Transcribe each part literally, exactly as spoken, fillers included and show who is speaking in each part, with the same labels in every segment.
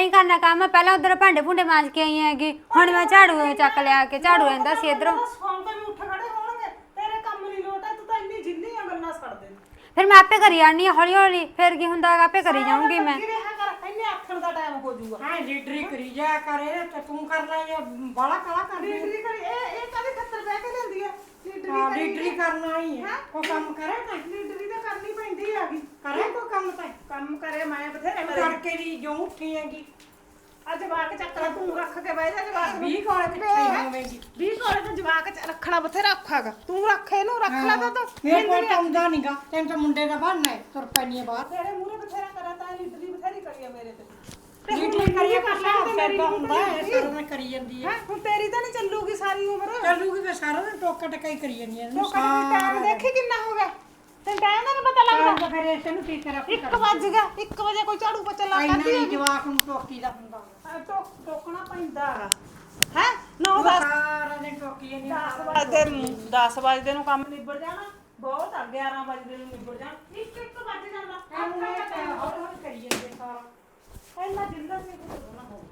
Speaker 1: ਹੀ ਕਰਨਾ ਕੰਮ। ਪਹਿਲਾਂ ਉਧਰ ਭਾਂਡੇ ਭੁੰਡੇ ਮਾਂਜ ਕੇ ਆਈ ਹੈਗੀ, ਹੁਣ ਮੈਂ ਝਾੜੂ ਚੱਕ ਲਿਆ ਕੇ ਝਾੜੂ ਰਹਿੰਦਾ ਸੀ ਇਧਰੋਂ।
Speaker 2: ਸੌਂ ਕੇ ਵੀ ਉੱਠ ਖੜੇ ਹੋਣਗੇ, ਤੇਰੇ ਕੰਮ ਨਹੀਂ ਲੋਟ ਹੈ, ਤੂੰ ਤਾਂ ਇੰਨੀ ਜਿੰਨੀਆਂ ਗੱਲਾਂ ਛੱਡ ਦੇ।
Speaker 1: ਫਿਰ ਮੈਂ ਆਪੇ ਕਰੀ ਜਾਣੀ ਆ ਹੌਲੀ ਹੌਲੀ, ਫਿਰ ਕੀ ਹੁੰਦਾ ਆਪੇ ਕਰੀ ਜਾਊਂਗੀ ਮੈਂ।
Speaker 2: ਰਿਹਾ ਕਰ, ਇੰਨੇ ਆਖਣ ਦਾ ਟਾਈਮ ਹੋ ਜਾਊਗਾ।
Speaker 3: ਹਾਂ ਲੀਡਰੀ ਕਰੀ ਜਾ ਕਰੇ ਤੇ ਤੂੰ ਕਰ ਲੈ ਜਾਂ ਬਾਲਾ ਕਾਲਾ ਕਰ ਲਈ।
Speaker 2: ਲੀਡਰੀ ਕਰੀ ਇਹ ਇਹ ਕਦੇ ਖੱਤਰ ਬਹਿ ਕੇ ਲੈਂਦੀ ਹੈ ਲੀਡਰੀ।
Speaker 3: ਹਾਂ ਲੀਡਰੀ ਕਰਨਾ ਹੀ ਹੈ, ਉਹ ਕੰਮ ਕਰੇ ਤਾਂ
Speaker 2: ਲੀਡਰੀ ਤਾਂ ਕਰਨੀ ਪੈਂਦੀ ਹੈਗੀ।
Speaker 3: ਕਰੇ ਕੋ ਕੰਮ ਤਾਂ
Speaker 2: ਕੰਮ ਕਰੇ ਮੈਂ ਬਥੇਰੇ ਕਰੇ।
Speaker 3: ਕਰਕੇ ਦੀ ਜੋ ਉੱਠੀ ਹੈਗੀ
Speaker 2: ਆ ਜਵਾਕ ਚੱਕ ਲੈ, ਤੂੰ ਰੱਖ ਕੇ ਬਹਿ ਜਾ ਜਵਾਕ ਨੂੰ।
Speaker 3: ਵੀਹ ਕੋਲੇ ਕਿੱਥੇ ਹੋਵੇਗੀ?
Speaker 2: ਵੀਹ ਕੋਲੇ ਤਾਂ ਜਵਾਕ ਚ ਰੱਖਣਾ ਬਥੇਰਾ ਔਖਾ ਹੈਗਾ। ਤੂੰ ਰੱਖ ਇਹਨੂੰ, ਰੱਖ ਲੈ ਤਾਂ ਤੂੰ।
Speaker 3: ਮੇਰੇ ਕੋਲ ਤਾਂ ਆਉਂਦਾ ਨਹੀਂਗਾ, ਤੈਨੂੰ ਤਾਂ ਮੁੰਡੇ ਦਾ ਬਣਨਾ ਹੈ, ਤੁਰ ਪੈਣੀ ਬਾਹਰ।
Speaker 2: ਤੇਰੇ ਮੂਹਰੇ ਬਥੇਰਾ ਕਰਾ ਤਾਂ ਲੀਡਰੀ ਬਥੇਰੀ ਕਰੀ ਆ ਮੇਰੇ ਤੇ।
Speaker 3: ਲੀਡਰੀ ਕਰੀਏ ਕਰਨਾ ਫੈਦਾ ਹੁੰਦਾ ਹੈ, ਸਾਰਾ ਦਿਨ ਕਰੀ ਜਾਂਦੀ ਹੈ।
Speaker 2: ਹੁਣ ਤੇਰੀ ਤਾਂ ਨਹੀਂ ਚੱਲੂਗੀ ਸਾਰੀ ਉਮਰ।
Speaker 3: ਚੱਲੂਗੀ ਫਿਰ ਸਾਰਾ ਦਿਨ ਟੋਕਾ ਟਕਾਈ ਕਰੀ ਜਾਂਦੀ ਹੈ।
Speaker 2: ਲੋਕਾਂ ਦਾ ਟਾਈਮ ਦੇਖੀ ਕਿੰਨਾ ਹੋ ਗਿਆ, ਤੈਨੂੰ ਟਾਈਮ ਦਾ ਨੀ ਪਤਾ ਲੱਗਦਾ।
Speaker 3: ਫਿਰ ਇਸ ਨੂੰ ਕੀ ਕਰਾਂ?
Speaker 2: ਇੱਕ ਵੱਜ ਗਿਆ, ਇੱਕ ਵਜੇ ਕੋਈ ਝਾੜੂ ਪੋਚਾ ਲਾ
Speaker 3: ਇੰਨਾ
Speaker 2: ਕਰਦੀ
Speaker 3: ਹੀ
Speaker 2: ਹੈ।
Speaker 3: ਜਵਾਕ ਨੂੰ ਟੋਕੀ ਦਾ ਹੁੰਦਾ
Speaker 2: ਟੋਕ ਟੋਕਣਾ ਪੈਂਦਾ ਹੈਗਾ ਹੈ। ਨੌ ਦਸ
Speaker 3: ਸਾਰਾ ਦਿਨ ਟੋਕੀ ਜਾਂਦੀ ਹੈ।
Speaker 2: ਦਸ ਵਜੇ ਨੂੰ ਦਸ ਵਜੇ ਨੂੰ ਕੰਮ ਨਿਬੜ ਜਾਣਾ ਬਹੁਤ ਆ। ਗਿਆਰਾਂ ਵਜੇ ਨੂੰ ਨਿਬੜ ਜਾਣਾ, ਇੱਕ ਇੱਕ ਵੱਜ ਜਾਂਦਾ।
Speaker 3: ਹੌਲੀ ਹੌਲੀ ਕਰੀ ਜਾਂਦੇ ਸਾਰਾ।
Speaker 2: ਇੰਨਾ ਜਿੰਦਾ ਸੀ ਨਾ ਹੋ।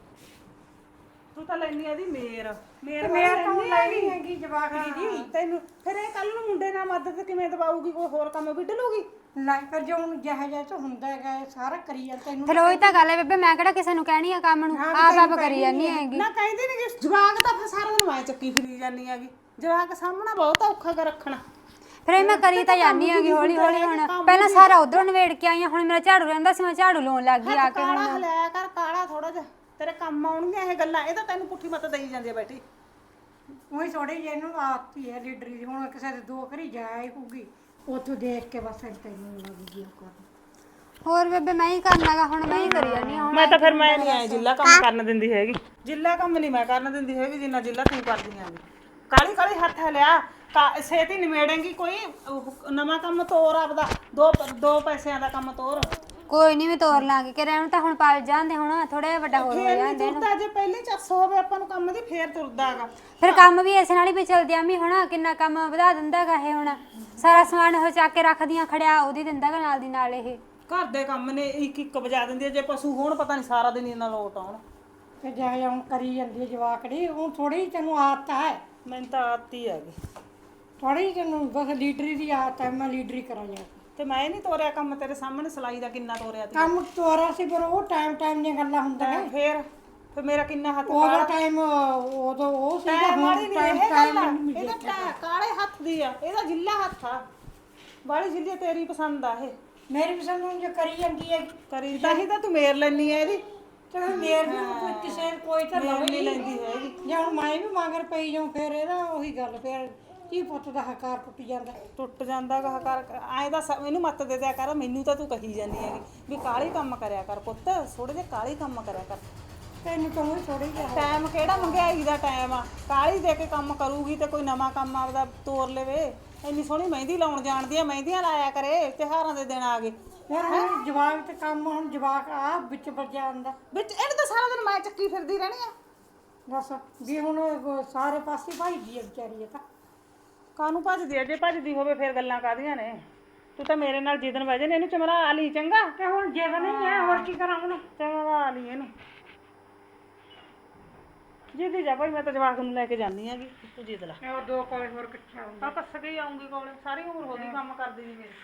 Speaker 2: ਤੂੰ ਤਾਂ ਲੈਣੀ ਆ ਦੀ ਮੇਰ ਮੇਰ
Speaker 3: ਮੇਰ ਤਾਂ ਲੈਣੀ ਹੈਗੀ ਜਵਾਕੜੀ ਦੀ।
Speaker 2: ਤੈਨੂੰ ਫਿਰ ਇਹ ਕੱਲ ਨੂੰ ਮੁੰਡੇ ਨਾਲ ਮਦਦ ਕਿਵੇਂ ਦਵਾਊਗੀ? ਕੋਈ ਹੋਰ ਕੰਮ ਵਿੱਢ ਲੂਗੀ।
Speaker 3: ਲੈ ਪਰ ਜੋ ਹੁਣ ਜਿਹਾ ਜਿਹਾ ਤਾਂ ਹੁੰਦਾ ਹੈਗਾ ਇਹ ਸਾਰਾ ਕਰੀ ਜਾਂਦਾ ਤੈਨੂੰ।
Speaker 1: ਫਿਰ ਉਹੀ ਤਾਂ ਗੱਲ ਹੈ ਬੇਬੇ, ਮੈਂ ਕਿਹੜਾ ਕਿਸੇ ਨੂੰ ਕਹਿਣੀ ਆ ਕੰਮ ਨੂੰ, ਆਪ ਆਪ ਕਰੀ ਜਾਨੀ ਹੈਗੀ।
Speaker 2: ਨਾ ਕਹਿੰਦੀ ਨਹੀਂ ਕਿ ਜਵਾਕ ਤਾਂ ਫਿਰ ਸਾਰਾ ਦਿਨ ਵਾਏ ਚੱਕੀ ਫਿਰੀ ਜਾਂਦੀ ਹੈਗੀ। ਜਵਾਕ ਸਾਹਮਣਾ ਬਹੁਤ ਔਖਾ ਕਰ ਰੱਖਣਾ।
Speaker 1: ਫਿਰ ਇਹ ਮੈਂ ਕਰੀ ਤਾਂ ਜਾਨੀ ਹੈਗੀ ਹੌਲੀ ਹੌਲੀ। ਹੁਣ ਪਹਿਲਾਂ ਸਾਰਾ ਉਧਰੋਂ ਨਵੇੜ ਕੇ ਆਈ ਆ, ਹੁਣ ਮੇਰਾ ਝਾੜੂ ਰਹਿੰਦਾ ਸੀ, ਮੈਂ ਝਾੜੂ ਲਾਉਣ ਲੱਗ ਗਈ ਆ ਕੇ।
Speaker 2: ਕਾਲਾ ਹਲਾਇਆ ਕਰ, ਕਾਲਾ ਥੋੜਾ ਜਿਹਾ ਤੇਰੇ ਕੰਮ ਆਉਣਗੀਆਂ ਇਹ ਗੱਲਾਂ। ਇਹ ਤਾਂ ਤੈਨੂੰ ਪੁੱਠੀ ਮੱਤ ਦੇਈ ਜਾਂਦੀ ਆ ਬੈਠੀ।
Speaker 3: ਉਹੀ ਥੋੜੀ ਜਿਹੀ ਇਹਨੂੰ ਆਤੀ ਹੈ ਲੀਡਰੀ ਦੀ। ਹੁਣ ਕਿਸੇ ਦੇ ਦੋ ਘਰੀ ਜਾਏ ਹੋਊਗੀ, ਉੱਥੋਂ ਦੇਖ ਕੇ ਬਸ ਤੈਨੂੰ ਲੱਗ ਗਈ ਉਹ ਕਰਨ।
Speaker 1: ਹੋਰ ਬੇਬੇ ਮੈਂ ਹੀ ਕਰਨਾਗਾ, ਹੁਣ ਮੈਂ ਹੀ ਕਰੀ ਜਾਨੀ ਹੁਣ।
Speaker 2: ਮੈਂ ਤਾਂ ਫਿਰ ਮੈਂ ਨਹੀਂ ਆਏ ਜਿੱਲਾ ਕੰਮ ਕਰਨ ਦਿੰਦੀ ਹੈਗੀ। ਜਿੱਲਾ ਕੰਮ ਨਹੀਂ ਮੈਂ ਕਰਨ ਦਿੰਦੀ ਹੈਗੀ ਜਿੰਨਾ ਜਿੱਲਾ ਤੂੰ ਕਰਦੀ ਆਂ। ਕਾਲੀ ਕਾਲੀ ਹੱਥ ਲਿਆ ਛੇਤੀ ਨਿਮੇੜੇਂਗੀ। ਕੋਈ ਨਵਾਂ ਕੰਮ ਤੋਰ ਆਪਦਾ, ਦੋ ਦੋ ਪੈਸਿਆਂ ਦਾ ਕੰਮ ਤੋਰ।
Speaker 1: ਕੋਈ ਨਹੀਂ ਮੈਂ ਤੋਰ ਲਾਂਗੀ ਕਿ ਰਹਿਣ ਤਾਂ ਹੁਣ ਪਲ ਜਾਂਦੇ, ਹੁਣ ਥੋੜਾ ਵੱਡਾ ਹੋਰ ਹੋ ਜਾਂਦੇ ਇਹਨੂੰ।
Speaker 2: ਤੁਰਦਾ ਜੇ ਪਹਿਲੇ ਚੱਸ ਹੋਵੇ ਆਪਾਂ ਨੂੰ ਕੰਮ ਦੀ, ਫੇਰ ਤੁਰਦਾ ਹੈਗਾ।
Speaker 1: ਫਿਰ ਕੰਮ ਵੀ ਇਸ ਨਾਲ ਹੀ ਪਿਛਲਦੀ ਆਮੀ। ਹੁਣ ਕਿੰਨਾ ਕੰਮ ਵਧਾ ਦਿੰਦਾ ਹੈਗਾ ਇਹ। ਹੁਣ ਸਾਰਾ ਸਮਾਨ ਉਹ ਚੱਕ ਕੇ ਰੱਖਦੀਆਂ ਖੜਿਆ ਉਹਦੀ ਦਿੰਦਾ ਹੈਗਾ ਨਾਲ ਦੀ ਨਾਲ। ਇਹ
Speaker 2: ਘਰ ਦੇ ਕੰਮ ਨੇ ਇੱਕ ਇੱਕ ਵਜਾ ਦਿੰਦੀ ਹੈ। ਜੇ ਪਸ਼ੂ ਹੋਣ ਪਤਾ ਨਹੀਂ ਸਾਰਾ ਦਿਨ ਇਹਨਾਂ ਲੋਟ ਆਉਣ।
Speaker 3: ਤੇ ਜਿਹਾ ਜਿਹਾ ਹੁਣ ਕਰੀ ਜਾਂਦੀ ਹੈ ਜਵਾਕੜੀ। ਹੁਣ ਥੋੜੀ ਜਿਹੀ ਤੈਨੂੰ ਆਦਤ ਹੈ।
Speaker 2: ਮੈਨੂੰ ਤਾਂ ਆਤੀ ਹੈਗੀ
Speaker 3: ਥੋੜੀ ਜਿਹੀ ਤੈਨੂੰ ਬਸ ਲੀਡਰੀ ਦੀ ਆਦਤ ਹੈ। ਮੈਂ ਲੀਡਰੀ ਕਰਾਂ ਜਾ
Speaker 2: ਤੇ ਮੈਂ ਨਹੀਂ ਤੋਰਿਆ ਕੰਮ। ਤੇਰੇ ਸਾਹਮਣੇ ਸਿਲਾਈ ਦਾ ਕਿੰਨਾ ਤੋਰਿਆ ਤੀ।
Speaker 3: ਕੰਮ ਤੋਰਾ ਸੀ, ਪਰ ਉਹ ਟਾਈਮ ਟਾਈਮ ਦੀਆਂ ਗੱਲਾਂ ਹੁੰਦੀਆਂ ਨੇ।
Speaker 2: ਫੇਰ ਫਿਰ ਮੇਰਾ ਕਿੰਨਾ ਹੱਥ
Speaker 3: ਉਹਦਾ ਟਾਈਮ ਉਦੋਂ ਉਹ ਸੀਗਾ,
Speaker 2: ਟਾਈਮ ਵਾਲੀ
Speaker 3: ਹੁਣ
Speaker 2: ਨਹੀਂ
Speaker 3: ਟਾਈਮ
Speaker 2: ਇਹ ਗੱਲ ਆ।
Speaker 3: ਟਾਈਮ
Speaker 2: ਇਹਦਾ ਟਾ ਕਾਲੇ ਹੱਥ ਦੀ ਆ, ਇਹਦਾ ਜਿੱਲਾ ਹੱਥ ਆ। ਵਾਲੀ ਜਿੱਲੀ ਤੇਰੀ ਪਸੰਦ ਆ ਇਹ।
Speaker 3: ਮੇਰੀ ਪਸੰਦ ਨੂੰ ਜੋ ਕਰੀ ਜਾਂਦੀ ਹੈ
Speaker 2: ਕਰੀ ਤਾਂ ਹੀ ਤਾਂ ਤੂੰ ਮੇਰ ਲੈਣੀ ਹੈ ਇਹਦੀ।
Speaker 3: ਤੇ ਮੇਰ ਵੀ ਕੋਈ ਕਿਸੇ ਕੋਈ ਤਾਂ ਲਵੇ
Speaker 2: ਨਹੀਂ ਲੈਂਦੀ ਹੈਗੀ।
Speaker 3: ਜੇ ਹੁਣ ਮੈਂ ਵੀ ਮਗਰ ਪਈ ਜਾਉਂ ਫਿਰ ਇਹਦਾ ਉਹੀ ਗੱਲ। ਫਿਰ ਕੀ ਪੁੱਤ ਦਾ ਹਕਾਰ ਟੁੱਟ ਜਾਂਦਾ।
Speaker 2: ਟੁੱਟ ਜਾਂਦਾ ਗਾ ਕਰ ਐਂ ਦਾ ਇਹਨੂੰ ਮੱਤ ਦੇ ਦਿਆ ਕਰ। ਮੈਨੂੰ ਤਾਂ ਤੂੰ ਕਹੀ ਜਾਂਦੀ ਹੈਗੀ ਵੀ ਕਾਲੀ ਕੰਮ ਕਰਿਆ ਕਰ ਪੁੱਤ, ਥੋੜੇ ਜਿਹੇ ਕਾਲੀ ਕੰਮ ਕਰਿਆ ਕਰ।
Speaker 3: ਤੈਨੂੰ ਤਾਂ ਉਹ ਥੋੜੀ ਜਿਹਾ
Speaker 2: ਟਾਈਮ ਕਿਹੜਾ ਮਹਿੰਗਾਈ ਦਾ ਟਾਈਮ ਆ। ਕਾਲੀ ਦੇ ਕੇ ਕੰਮ ਕਰੂਗੀ ਤੇ ਕੋਈ ਨਵਾਂ ਕੰਮ ਆਪਦਾ ਤੋਰ ਲਵੇ। ਇੰਨੀ ਸੋਹਣੀ ਮਹਿੰਦੀ ਲਾਉਣ ਜਾਣਦੀ ਆ, ਮਹਿੰਦੀਆਂ ਲਾਇਆ ਕਰੇ। ਤਿਉਹਾਰਾਂ ਦੇ ਦਿਨ ਆ ਗਏ।
Speaker 3: ਫਿਰ ਹੁਣ ਜਵਾਕ ਤੇ ਕੰਮ ਹੁਣ ਜਵਾਕ ਆ ਵਿੱਚ ਵੱਜਿਆ ਆਉਂਦਾ
Speaker 2: ਵਿੱਚ ਇਹਨੂੰ ਤਾਂ ਸਾਰਾ ਦਿਨ ਮੈਂ ਚੱਕੀ ਫਿਰਦੀ ਰਹਿਣੀ ਆ।
Speaker 3: ਦੱਸ ਵੀ ਹੁਣ ਉਹ ਸਾਰੇ ਪਾਸੇ ਭਾਈਦੀ ਹੈ ਵਿਚਾਰੀ। ਇਹ ਤਾਂ
Speaker 2: ਕਾਹਨੂੰ ਭੱਜਦੀ ਆ? ਜੇ ਭੱਜਦੀ ਹੋਵੇ ਫਿਰ ਗੱਲਾਂ ਕਾਹਦੀਆਂ ਨੇ? ਤੂੰ ਤਾਂ ਮੇਰੇ ਨਾਲ ਜਿੱਦਣ ਬਹਿ ਜਾਨੇ ਇਹਨੂੰ ਚਮਰਾ ਲਈ ਚੰਗਾ।
Speaker 3: ਤੇ ਹੁਣ ਜਿੱਦ ਨਹੀਂ ਹੈ, ਹੋਰ ਕੀ ਕਰਾਂ ਹੁਣ?
Speaker 2: ਚਮਰਾ ਲਈ ਇਹਨੂੰ ਜਿੱਦੀ ਜਾ ਭਾਈ। ਮੈਂ ਤਾਂ ਜਵਾਕ ਨੂੰ ਲੈ ਕੇ ਜਾਂਦੀ ਆਂਗੀ, ਤੂੰ ਜਿੱਦ ਲਾ।
Speaker 3: ਉਹ ਦੋ ਕੋਲੇ ਹੋਰ ਕਿੱਥੇ ਆਉਂਦੇ?
Speaker 2: ਆ ਪੱਸ ਕੇ ਹੀ ਆਉਂਗੀ ਕੋਲੇ। ਸਾਰੀ ਉਮਰ ਹੋ ਗਈ ਕੰਮ ਕਰਦੀ ਨਹੀਂ ਮੇਰੀ।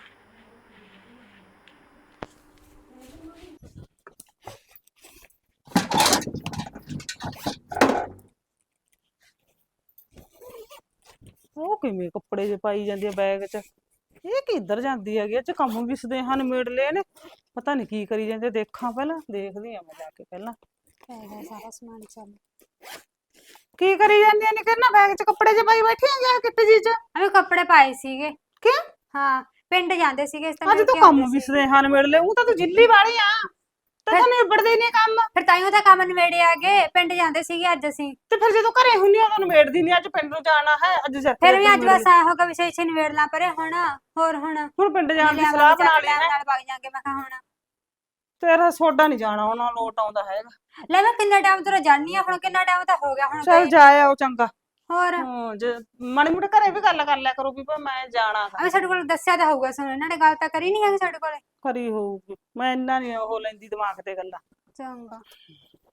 Speaker 2: ਉਹ ਕਿਵੇਂ ਕੱਪੜੇ ਜੇ ਪਾਈ ਜਾਂਦੀ ਆ ਬੈਗ 'ਚ? ਇਹ ਕਿੱਧਰ ਜਾਂਦੀ ਹੈਗੀ? ਇਹ 'ਚ ਕੰਮ ਵੀ ਸਦੇਹਾਂ ਨਿਬੇੜ ਲਏ ਨੇ। ਪਤਾ ਨਹੀਂ ਕੀ ਕਰੀ ਜਾਂਦੇ। ਦੇਖਾਂ ਪਹਿਲਾਂ, ਦੇਖਦੀ ਆ ਮੈਂ ਜਾ ਕੇ ਪਹਿਲਾਂ।
Speaker 1: ਸਾਰਾ ਸਮਾਨ ਚੱਲ
Speaker 2: ਕੀ ਕਰੀ ਜਾਂਦੀਆਂ ਨੇ? ਕਿੰਨਾ ਬੈਗ 'ਚ ਕੱਪੜੇ ਜੇ ਪਾਈ ਬੈਠੀ ਆਂ ਜਾਂ ਕਿੱਟ ਜੀ 'ਚ?
Speaker 1: ਅਰੇ ਕੱਪੜੇ ਪਾਏ ਸੀਗੇ।
Speaker 2: ਕਿਉਂ?
Speaker 1: ਹਾਂ ਪਿੰਡ ਜਾਂਦੇ ਸੀਗੇ ਇਸ
Speaker 2: ਅੱਜ ਤੂੰ ਕੰਮ ਵੀ ਸਦੇਹਾਂ ਨਿਬੇੜ ਲਏ। ਉਹ ਤਾਂ ਤੂੰ ਜਿੱਲੀ ਵਾਲੀ ਆ, ਤੇ ਤਾਂ ਨਿਬੜਦੇ ਨਹੀਂ ਕੰਮ।
Speaker 1: ਫਿਰ ਤਾਈਓ ਤਾਂ ਕੰਮ ਨਵੇੜੇ ਆ ਗਏ। ਪਿੰਡ ਜਾਂਦੇ ਸੀਗੇ ਅੱਜ ਅਸੀਂ।
Speaker 2: ਤੇ ਫਿਰ ਜਦੋਂ ਘਰੇ ਹੁੰਨੀ ਆ ਤਾਂ ਨਿਬੇੜਦੀ ਨਹੀਂ। ਅੱਜ ਪਿੰਡ ਨੂੰ ਜਾਣਾ ਹੈ, ਅੱਜ ਜਾ
Speaker 1: ਫਿਰ ਵੀ ਅੱਜ ਬਸ ਆਇਆ ਹੋਗਾ ਵਿਸ਼ੇ ਛੇ ਨਵੇੜ ਲਾਂ ਪਰੇ। ਹੁਣ ਹੋਰ ਹੁਣ
Speaker 2: ਹੁਣ ਪਿੰਡ ਜਾਣ ਦੀ ਸਲਾਹ ਬਣਾ ਲਈ ਹੈ।
Speaker 1: ਨਾਲ ਵਗ ਜਾਾਂਗੇ ਮੈਂ ਕਿਹਾ ਹੁਣ।
Speaker 2: ਤੇਰਾ ਸੋਡਾ ਨਹੀਂ ਜਾਣਾ ਉਹਨਾਂ ਲੋਟ ਆਉਂਦਾ ਹੈਗਾ।
Speaker 1: ਲੈ ਮੈਂ ਕਿੰਨਾ ਟਾਈਮ ਤੋਂ ਜਾਣੀ ਆ। ਹੁਣ ਕਿੰਨਾ ਟਾਈਮ ਤਾਂ ਹੋ ਗਿਆ ਹੁਣ।
Speaker 2: ਚੱਲ ਜਾ ਆਓ ਚੰਗਾ।
Speaker 1: ਹੋਰ
Speaker 2: ਹਾਂ ਜੇ ਮਾੜੀ ਮੋਟੇ ਘਰੇ ਵੀ ਗੱਲ ਕਰ ਲਿਆ ਕਰੋ ਵੀ ਮੈਂ ਜਾਣਾ।
Speaker 1: ਅਵੇ ਸਾਡੇ ਕੋਲ ਦੱਸਿਆ ਤਾਂ ਹੋਊਗਾ। ਸੁਣ ਇਹਨਾਂ ਨੇ ਗੱਲ ਤਾਂ ਕਰੀ ਨਹੀਂ ਹੈਗੀ ਸਾਡੇ ਕੋਲੇ।
Speaker 2: ਕਰੀ ਹੋਊਗੀ। ਮੈਂ ਇੰਨਾ ਨਹੀਂ ਉਹ ਲੈਂਦੀ ਦਿਮਾਗ ਤੇ ਗੱਲਾਂ।
Speaker 1: ਚੰਗਾ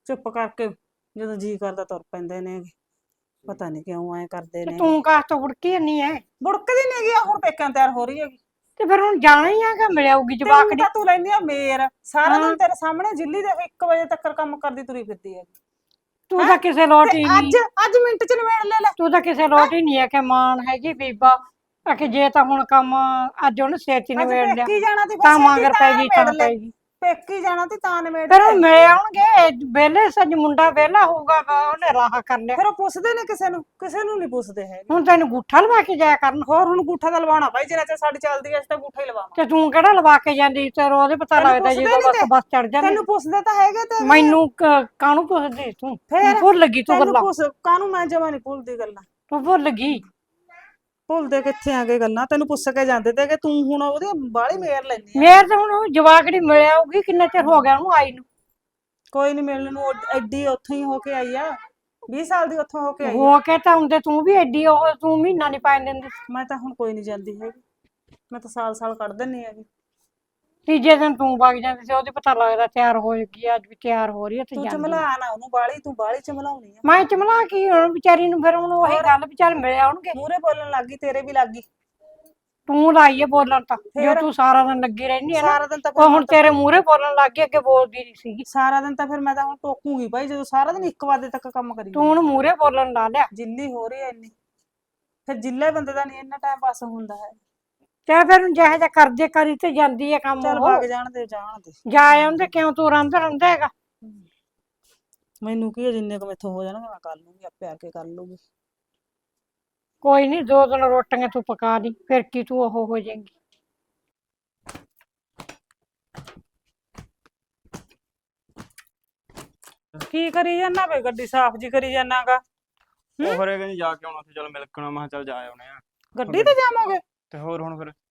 Speaker 2: ਚੁੱਪ ਕਰਕੇ ਜਦੋਂ ਜੀ ਕਰਦਾ ਤੁਰ ਪੈਂਦੇ ਨੇ ਪਤਾ ਨਹੀਂ ਕਿਉਂ ਐ ਕਰਦੇ
Speaker 3: ਤੇ
Speaker 2: ਨੇ
Speaker 3: ਤੂੰ ਕਾਹ ਤੋਂ ਬੁੜਕੀ ਨਹੀਂ ਐ
Speaker 2: ਬੁੜਕਦੀ ਨਹੀਂ ਗਈ ਹੁਣ ਪੇਕਿਆਂ ਤਿਆਰ ਹੋ ਰਹੀ ਹੈਗੀ
Speaker 3: ਤੇ ਫਿਰ ਹੁਣ ਜਾਣਾ ਹੀ ਆਗਾ ਮਿਲਿਆਉਗੀ
Speaker 2: ਤੇ
Speaker 3: ਜਵਾਕ
Speaker 2: ਹੁਣ
Speaker 3: ਦੀ
Speaker 2: ਤਾਂ ਤੂੰ ਲੈਂਦੀ ਆ ਮੇਰ ਸਾਰਾ
Speaker 3: ਹਾਂ।
Speaker 2: ਦਿਨ ਤੇਰੇ ਸਾਹਮਣੇ ਜਿੱਲੀ ਦੇ ਇੱਕ ਵਜੇ ਤੱਕ ਕੰਮ ਕਰਦੀ ਤੁਰੀ ਫਿਰਦੀ ਹੈ
Speaker 3: ਤੂੰ ਤਾਂ ਕਿਸੇ ਲੋਟ ਹੀ
Speaker 2: ਅੱਜ
Speaker 3: ਨਹੀਂ
Speaker 2: ਅੱਜ ਮਿੰਟ ਚ ਨਿਬੇੜ ਲੈ ਲੈ
Speaker 3: ਤੂੰ ਤਾਂ ਕਿਸੇ ਲੋਟ ਹੀ ਨਹੀਂ ਹੈ ਕਿ ਮਾਨ ਹੈਗੀ ਬੀਬਾ ਆ ਕਿ ਜੇ ਤਾਂ ਹੁਣ ਕੰਮ ਅੱਜ ਉਹਨੇ ਛੇਤੀ
Speaker 2: ਅੱਜ
Speaker 3: ਨਿਬੇੜ ਲਿਆ
Speaker 2: ਪੇਕੀ ਜਾਣਾ ਤੇ
Speaker 3: ਤਾਂ
Speaker 2: ਫਿਰ
Speaker 3: ਮਗਰ ਪੈ ਗਈ ਤਾਂ ਪੈ ਗਈ
Speaker 2: ਪੇਕੀ ਜਾਣਾ ਤੇ ਤਾਂ ਨਿਬੇੜ
Speaker 3: ਫਿਰ ਉਹ
Speaker 2: ਲੈ
Speaker 3: ਮਿਲ ਆਉਣਗੇ ਵਿਹਲੇ ਸੱਜ ਮੁੰਡਾ ਵਿਹਲਾ ਹੋਊਗਾ ਵਾ ਉਹਨੇ ਰਾਹ ਕਰ ਲਿਆ
Speaker 2: ਫਿਰ ਉਹ ਪੁੱਛਦੇ ਨੇ ਕਿਸੇ ਨੂੰ ਕਿਸੇ ਨੂੰ ਨਹੀਂ ਪੁੱਛਦੇ ਹੈਗੇ
Speaker 3: ਹੁਣ ਤੈਨੂੰ ਗੁੱਠਾ ਲਵਾ ਕੇ ਜਾਇਆ ਕਰਨ
Speaker 2: ਹੋਰ ਹੁਣ ਗੂਠਾ ਤਾਂ ਲਵਾਉਣਾ ਭਾਈ ਜਿੰਨਾ ਚਿਰ ਸਾਡੀ ਚੱਲਦੀ ਐ ਅਸੀਂ ਤਾਂ ਗੂਠਾ ਹੀ ਲਵਾਵਾਂ
Speaker 3: ਤੇ ਤੂੰ ਕਿਹੜਾ ਲਵਾ ਕੇ ਜਾਂਦੀ ਤੇ ਉਹਦੇ ਪਤਾ
Speaker 2: ਤੈਨੂੰ
Speaker 3: ਲੱਗਦਾ
Speaker 2: ਪੁੱਛਦੇ
Speaker 3: ਜਦੋਂ
Speaker 2: ਨੀ
Speaker 3: ਬਸ
Speaker 2: ਤੇ।
Speaker 3: ਬੱਸ ਚੜ ਜਾਂਦੀ
Speaker 2: ਤੈਨੂੰ ਪੁੱਛਦੇ ਤਾਂ ਹੈਗੇ ਤੇ
Speaker 3: ਮੈਨੂੰ ਕ- ਕਾਹਨੂੰ ਪੁੱਛਦੀ ਤੂੰ
Speaker 2: ਫੇਰ
Speaker 3: ਭੁੱਲ ਗਈ ਤੂੰ
Speaker 2: ਤੈਨੂੰ
Speaker 3: ਗੱਲਾਂ
Speaker 2: ਪੁੱਛ ਕਾਹਨੂੰ ਮੈਂ ਜਮਾ ਨਹੀਂ ਭੁੱਲਦੀ ਗੱਲਾਂ
Speaker 3: ਤੂੰ ਭੁੱਲ ਗਈ
Speaker 2: ਭੁੱਲਦੇ ਕਿੱਥੇ ਆ ਗਏ ਗੱਲਾਂ ਤੈਨੂੰ ਪੁੱਛ ਕੇ ਜਾਂਦੇ ਤੇ ਕਿ ਤੂੰ ਹੁਣ ਉਹਦੀ ਬਾਹਲੀ ਮੇਰ ਲੈਣੀ ਆ
Speaker 3: ਮੇਰ ਤਾਂ ਹੁਣ ਉਹ ਜਵਾਕੜੀ ਮਿਲਿਆ ਆਊਗੀ ਕਿੰਨਾ ਚਿਰ ਹੋ ਗਿਆ ਉਹਨੂੰ ਆਈ ਨੂੰ
Speaker 2: ਕੋਈ ਨਹੀਂ ਮਿਲਣ ਨੂੰ ਉਹ ਐਡੀ ਉੱਥੋਂ ਹੀ ਹੋ ਕੇ ਆਈ ਆ ਵੀਹ ਸਾਲ ਦੀ ਉੱਥੋਂ ਹੋ ਕੇ ਆਈ ਆ
Speaker 3: ਹੋ ਕੇ ਤਾਂ ਹੁੰਦੇ ਤੂੰ ਵੀ ਐਡੀ ਉਹ ਤੂੰ ਮਹੀਨਾ ਨਹੀਂ ਪਾਣ ਦਿੰਦੀ
Speaker 2: ਮੈਂ ਤਾਂ ਹੁਣ ਕੋਈ ਨਹੀਂ ਜਾਂਦੀ ਹੈਗੀ ਮੈਂ ਤਾਂ ਸਾਲ ਸਾਲ ਕੱਢ ਦਿੰਨੀ ਹੈਗੀ
Speaker 3: ਤੀਜੇ ਦਿਨ ਤੂੰ ਵਗ ਜਾਂਦੀ ਸੀ ਉਹਦੇ ਪਤਾ ਲੱਗਦਾ ਤਿਆਰ ਹੋ ਗਈ ਅੱਜ ਵੀ ਤਿਆਰ ਹੋ ਰਹੀ ਹੈ ਤੇ
Speaker 2: ਤੂੰ
Speaker 3: ਜਾਂਦੀ
Speaker 2: ਚਮਲਾ ਨਾ ਉਹਨੂੰ ਬਾਹਲੀ ਤੂੰ ਬਾਹਲੀ ਚਮਲਾਉਣੀ ਆ
Speaker 3: ਮੈਂ ਚਮਲਾ ਕੀ ਹੁਣ ਵਿਚਾਰੀ ਨੂੰ ਫਿਰ ਹੁਣ ਉਹੀ ਗੱਲ ਵੀ ਚੱਲ ਮਿਲ ਆਉਣਗੇ
Speaker 2: ਮੂਹਰੇ ਬੋਲਣ ਲੱਗੀ ਤੇਰੇ ਵੀ ਲੱਗੀ
Speaker 3: ਤੂੰ ਲਾਈਏ ਬੋਲਣ ਤਾਂ ਜੋ
Speaker 2: ਫੇਰ?
Speaker 3: ਤੂੰ ਸਾਰਾ ਦਿਨ ਲੱਗੀ ਰਹਿੰਦੀ ਹੈ ਨਾ
Speaker 2: ਸਾਰਾ ਦਿਨ ਤਾਂ
Speaker 3: ਉਹ
Speaker 2: ਫਿਰ
Speaker 3: ਹੁਣ ਤੇਰੇ ਮੂਹਰੇ ਬੋਲਣ ਲੱਗ ਗਈ ਅੱਗੇ ਬੋਲਦੀ ਨਹੀਂ ਸੀਗੀ
Speaker 2: ਸਾਰਾ ਦਿਨ ਤਾਂ ਫਿਰ ਮੈਂ ਤਾਂ ਹੁਣ ਟੋਕੂਗੀ ਭਾਈ ਜਦੋਂ ਸਾਰਾ ਦਿਨ ਇੱਕ ਵਜੇ ਤੱਕ ਕੰਮ ਕਰੀ
Speaker 3: ਤੂੰ ਹੁਣ ਮੂਹਰੇ ਬੋਲਣ ਲਾ ਲਿਆ
Speaker 2: ਜਿੱਲੀ ਹੋ ਰਹੀ ਐ ਇੰਨੀ ਫਿਰ ਜਿੱਲੇ ਬੰਦੇ ਦਾ ਨਹੀਂ ਇੰਨਾ ਟਾਈਮ ਪਾਸ ਹੁੰਦਾ ਹੈ
Speaker 3: ਤੇ ਫਿਰ ਹੁਣ ਜਿਹੋ ਜਿਹਾ ਕਰਦੇ ਕਰੀ ਤੇ ਜਾਂਦੀ ਹੈ ਕੰਮ
Speaker 2: ਚੱਲ
Speaker 3: ਉਹ
Speaker 2: ਵਗ ਜਾਣ ਦੇ ਜਾਣ ਦੇ
Speaker 3: ਜਾ ਆਉਂਦੇ ਕਿਉਂ ਤੂੰ ਰੰਦ ਰਹਿੰਦਾ ਹੈਗਾ
Speaker 2: ਮੈਨੂੰ ਕੀ ਆ, ਜਿੰਨੇ ਕੁ ਮੈਥੋਂ ਹੋ ਜਾਣਗੇ ਮੈਂ ਕਰ ਲੂੰਗੀ ਆਪੇ ਆ ਕੇ ਕਰ ਲੂੰਗੀ
Speaker 3: ਕੋਈ ਨਹੀਂ ਦੋ ਦਿਨ ਰੋਟੀਆਂ ਤੂੰ ਪਕਾ ਲਈ ਫਿਰ ਕੀ ਤੂੰ ਉਹ ਹੋ ਜਾਏਗੀ
Speaker 2: ਕੀ ਕਰੀ ਜਾਂਦਾ ਵੇ ਗੱਡੀ ਸਾਫ਼ ਜੀ ਕਰੀ ਜਾਣਾਗਾ
Speaker 4: ਉਹ ਫਿਰ ਇਹ ਕਹਿੰਦੀ ਜਾ ਕੇ ਆਉਣਾ ਸੀ ਚਲ ਮਿਲ ਕੇ ਆਉਣਾ ਮੈਂ ਕਿਹਾ ਚੱਲ ਜਾ ਆਉਣੇ ਆ
Speaker 2: ਗੱਡੀ ਤੇ ਜਾਵਾਂਗੇ
Speaker 4: ਤੇ ਹੋਰ ਹੁਣ ਫਿਰ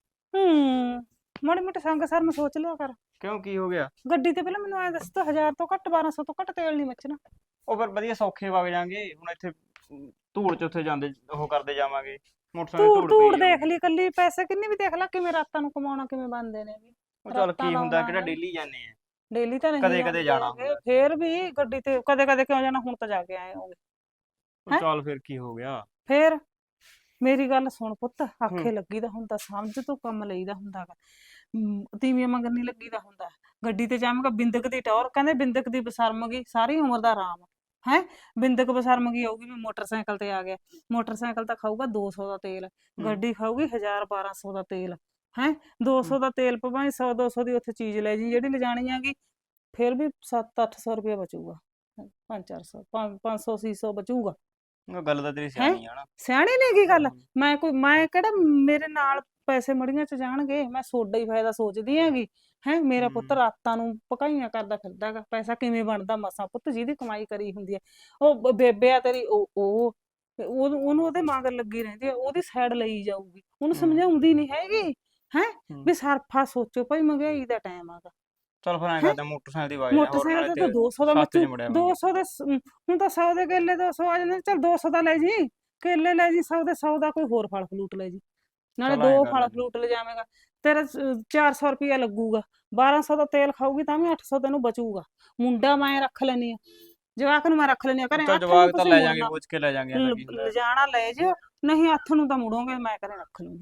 Speaker 2: ਹੂੰ ਮਾੜੀ ਮੋਟੀ ਸੰਗ ਸਰ ਨੂੰ ਸੋਚ ਲਿਆ ਕਰ
Speaker 4: ਕਿਉਂ ਕੀ ਹੋ ਗਿਆ
Speaker 2: ਗੱਡੀ ਤੇ ਪਹਿਲਾਂ ਮੈਨੂੰ ਐ ਦੱਸ ਤਾ ਹਜ਼ਾਰ ਤੋਂ ਘੱਟ ਬਾਰਾਂ ਸੌ ਤੋਂ ਘੱਟ ਤੇਲ ਨਹੀਂ ਮੱਚਣਾ
Speaker 4: ਉਹ ਫਿਰ ਵਧੀਆ ਸੌਖੇ ਵਗ ਜਾਾਂਗੇ ਹੁਣ ਇੱਥੇ ਅਮ, ਧੂੜ ਚ ਉੱਥੇ ਜਾਂਦੇ ਉਹ ਕਰਦੇ ਜਾਵਾਂਗੇ ਮੋਟਰਸਾਈਕਲ
Speaker 2: ਧੂੜ
Speaker 4: ਧੂੜ
Speaker 2: ਧੂੜ
Speaker 4: ਪਈ
Speaker 2: ਦੇਖ ਲਈ ਕੱਲੀ ਪੈਸੇ ਕਿੰਨੇ ਵੀ ਦੇਖ ਲੈ ਕਿਵੇਂ ਰਾਤਾਂ ਨੂੰ ਕਮਾਉਣਾ ਕਿਵੇਂ ਬਣਦੇ ਨੇ ਵੀ
Speaker 4: ਉਹ ਚੱਲ
Speaker 2: ਰਾਤਾਂ
Speaker 4: ਕੀ ਹੁੰਦਾ
Speaker 2: ਲਾਉਣਾ
Speaker 4: ਕਿਹੜਾ
Speaker 2: ਹੈ।
Speaker 4: ਡੇਲੀ ਜਾਂਦੇ ਆ
Speaker 2: ਡੇਲੀ ਤਾਂ ਨਹੀਂ
Speaker 4: ਕਦੇ- ਕਦੇ
Speaker 2: ਜਾਂਦੇ
Speaker 4: ਜਾਣਾ
Speaker 2: ਹੈਗੇ,
Speaker 4: ਹੁੰਦਾ।
Speaker 2: ਫੇਰ ਵੀ ਗੱਡੀ ਤੇ ਕਦੇ ਕਦੇ ਕਿਉਂ ਜਾਣਾ ਹੁਣ ਤਾਂ ਜਾ ਕੇ ਆਏ ਹੋਗੇ
Speaker 4: ਉਹ
Speaker 2: ਹੈਂ?
Speaker 4: ਚੱਲ ਫਿਰ ਕੀ ਹੋ ਗਿਆ
Speaker 2: ਫੇਰ ਮੇਰੀ ਗੱਲ ਸੁਣ ਪੁੱਤ ਆਖੇ
Speaker 4: ਹੂੰ।
Speaker 2: ਲੱਗੀਦਾ ਹੁੰਦਾ ਸਮਝ ਤੋਂ ਕੰਮ ਲਈਦਾ ਹੁੰਦਾ ਗਾ ਹਮ, ਤੀਵੀਆਂ ਮੰਗਣ ਨਹੀਂ ਲੱਗੀਦਾ ਹੁੰਦਾ ਗੱਡੀ ਤੇ ਜਾਵਾਂਗਾ ਬਿੰਦਕ ਦੀ ਟੌਰ ਕਹਿੰਦੇ ਬਿੰਦਕ ਦੀ ਬਸਰਮ ਗਈ ਸਾਰੀ ਉਮਰ ਦਾ ਆਰਾਮ ਹੈ ਬਿੰਦਕ ਬਸਰਮ ਗਈ ਆਊਗੀ ਮੈਂ ਮੋਟਰਸਾਈਕਲ ਤੇ ਆ ਗਿਆ ਮੋਟਰਸਾਈਕਲ ਤਾਂ ਖਾਊਗਾ ਦੋ ਸੌ ਦਾ ਤੇਲ ਗੱਡੀ ਖਾਊਗੀ ਹਜ਼ਾਰ ਬਾਰਾਂ ਸੌ ਦਾ ਤੇਲ ਹੈ ਦੋ ਸੌ ਦਾ ਤੇਲ ਪਵਾਈ ਸੌ ਦੋ ਸੌ ਦੀ ਉੱਥੇ ਚੀਜ਼ ਲੈ ਜੀ ਜਿਹੜੀ ਲਿਜਾਣੀ ਆਗੀ ਫਿਰ ਵੀ ਸੱਤ ਅੱਠ ਸੌ ਰੁਪਇਆ ਬਚੂਗਾ ਪੰਜ ਚਾਰ ਸੌ ਪੰਜ ਸੌ ਛੇ ਸੌ ਬਚੂਗਾ
Speaker 4: ਉਹ ਗੱਲ ਤਾਂ ਤੇਰੀ ਸਿਆਣੀ ਆ ਨਾ
Speaker 2: ਸਿਆਣੀ ਨਹੀਂ ਕੀ ਗੱਲ
Speaker 4: ਹਮ।
Speaker 2: ਮੈਂ ਕੋਈ ਮੈਂ ਕਿਹੜਾ ਮੇਰੇ ਨਾਲ ਪੈਸੇ ਮੜੀਆਂ ਚ ਜਾਣਗੇ ਮੈਂ ਸੋਡਾ ਹੀ ਫਾਇਦਾ ਸੋਚਦੀ ਹੈਗੀ ਹੈ ਮੇਰਾ ਪੁੱਤ
Speaker 4: ਹਮ।
Speaker 2: ਰਾਤਾਂ ਨੂੰ ਪਕਾਈਆਂ ਕਰਦਾ ਫਿਰਦਾ ਗਾ ਪੈਸਾ ਕਿਵੇਂ ਬਣਦਾ ਮਸਾਂ ਪੁੱਤ ਜਿਹਦੀ ਕਮਾਈ ਕਰੀ ਹੁੰਦੀ ਹੈ ਉਹ ਬ- ਬੇਬੇ ਆ ਤੇਰੀ ਉਹ ਉਹ ਤੇ ਉਹ- ਉਹਨੂੰ ਉਹਦੇ ਮਗਰ ਲੱਗੀ ਰਹਿੰਦੀ ਹੈ ਉਹਦੀ ਸਾਈਡ ਲਈ ਜਾਊਗੀ ਉਹਨੂੰ
Speaker 4: ਹਮ।
Speaker 2: ਸਮਝਾਉਂਦੀ ਨਹੀਂ ਹੈਗੀ ਹੈ
Speaker 4: ਹਮ।
Speaker 2: ਵੀ ਸਰਫਾ ਸੋਚੋ ਭਾਈ ਮਹਿੰਗਾਈ ਦਾ ਟਾਈਮ ਆਗਾ
Speaker 4: ਚੱਲ ਫਿਰ ਐਂ ਕਰਦੇ ਆ, ਮੋਟਰਸਾਈਕਲ ਦੀ ਵਗ ਜਾਂਦੇ ਹੋਰ
Speaker 2: ਮੋਟਰਸਾਈਕਲ
Speaker 4: ਨਾਲੇ
Speaker 2: ਤੇ ਤਾਂ
Speaker 4: ਤੇ
Speaker 2: ਦੋ ਸੌ ਦਾ
Speaker 4: ਸਸਤੇ
Speaker 2: ਮੱਚੂ
Speaker 4: ਚ ਮੁੜਿਆ
Speaker 2: ਦੋ ਸੌ ਦੇ ਸ- ਅਮ, ਹੁਣ ਤਾਂ ਸੌ ਦੇ ਕੇਲੇ ਦੋ ਸੌ ਆ ਜਾਂਦੇ ਚੱਲ ਦੋ ਸੌ ਦਾ ਲੈ ਜੀ ਕੇਲੇ ਲੈ ਜੀ ਸੌ ਦੇ ਸੌ ਦਾ ਕੋਈ ਹੋਰ ਫਲ ਫਲੂਟ ਲੈ ਜੀ ਨਾਲੇ
Speaker 4: ਚੱਲ ਐਂ
Speaker 2: ਦੋ
Speaker 4: ਕਰ
Speaker 2: ਫਲ
Speaker 4: ਲੈਂਦੇ।
Speaker 2: ਫਲੂਟ ਲੈ ਜਾਵੇਂਗਾ ਤੇਰਾ ਚਾਰ ਸੌ ਰੁਪਇਆ ਲੱਗੂਗਾ ਬਾਰਾਂ ਸੌ ਦਾ ਤੇਲ ਖਾਊਗੀ ਤਾਂ ਵੀ ਅੱਠ ਸੌ ਤੈਨੂੰ ਬਚੂਗਾ ਮੁੰਡਾ ਮੈਂ ਰੱਖ ਲੈਣੀ ਆ ਜਵਾਕ ਨੂੰ ਮੈਂ ਰੱਖ ਲੈਣੀ ਆ ਘਰੇ
Speaker 4: ਚੱਲ
Speaker 2: ਹੱਥ ਨੂੰ
Speaker 4: ਜਵਾਕ ਤਾਂ
Speaker 2: ਤੁਸੀਂ
Speaker 4: ਲੈ ਜਾਾਂਗੇ
Speaker 2: ਮੁੜਨਾ।
Speaker 4: ਪੁੱਛ ਕੇ ਲੈ ਜਾਾਂਗੇ ਐਨਾ ਕੀ
Speaker 2: ਲ-
Speaker 4: ਹੁੰਦਾ
Speaker 2: ਲਿਜਾਣਾ ਲੈ ਜਿਓ ਨਹੀਂ ਹੱਥ ਨੂੰ ਤਾਂ ਮੁੜੋਗੇ ਮੈਂ ਘਰੇ ਰੱਖ ਲੂੰਗੀ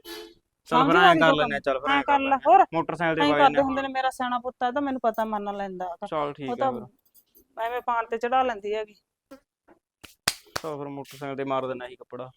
Speaker 4: ਚੱਲ ਫਿਰ
Speaker 2: ਸਮਝ ਆ
Speaker 4: ਐਂ
Speaker 2: ਗਈ
Speaker 4: ਕਰ
Speaker 2: ਜੋ
Speaker 4: ਲੈਂਦੇ ਆ ਚੱਲ ਫਿਰ
Speaker 2: ਐਂ
Speaker 4: ਐਂ
Speaker 2: ਕਰ
Speaker 4: ਕਰ
Speaker 2: ਲੈ
Speaker 4: ਲੈਂਦੇ ਆ।
Speaker 2: ਹੋਰ
Speaker 4: ਮੋਟਰਸਾਈਕਲ ਤੇ
Speaker 2: ਐਂ
Speaker 4: ਵਗ
Speaker 2: ਕਰਦੇ
Speaker 4: ਜਾਂਦੇ
Speaker 2: ਹੁੰਦੇ
Speaker 4: ਹੁਣ
Speaker 2: ਨੇ ਮੇਰਾ ਸਿਆਣਾ ਪੁੱਤ ਆ ਤਾਂ ਮੈਨੂੰ ਪਤਾ ਮੰਨ ਲੈਂਦਾ ਹੈਗਾ।
Speaker 4: ਚੱਲ
Speaker 2: ਉਹ
Speaker 4: ਠੀਕ ਆ
Speaker 2: ਤਾਂ
Speaker 4: ਫਿਰ
Speaker 2: ਐਵੇਂ ਪਾਣ ਤੇ ਚੜਾ ਲੈਂਦੀ ਹੈਗੀ
Speaker 4: ਚੱਲ ਫਿਰ ਮੋਟਰਸਾਈਕਲ ਤੇ ਮਾਰ ਦੇਣਾ ਸੀ ਕੱਪੜਾ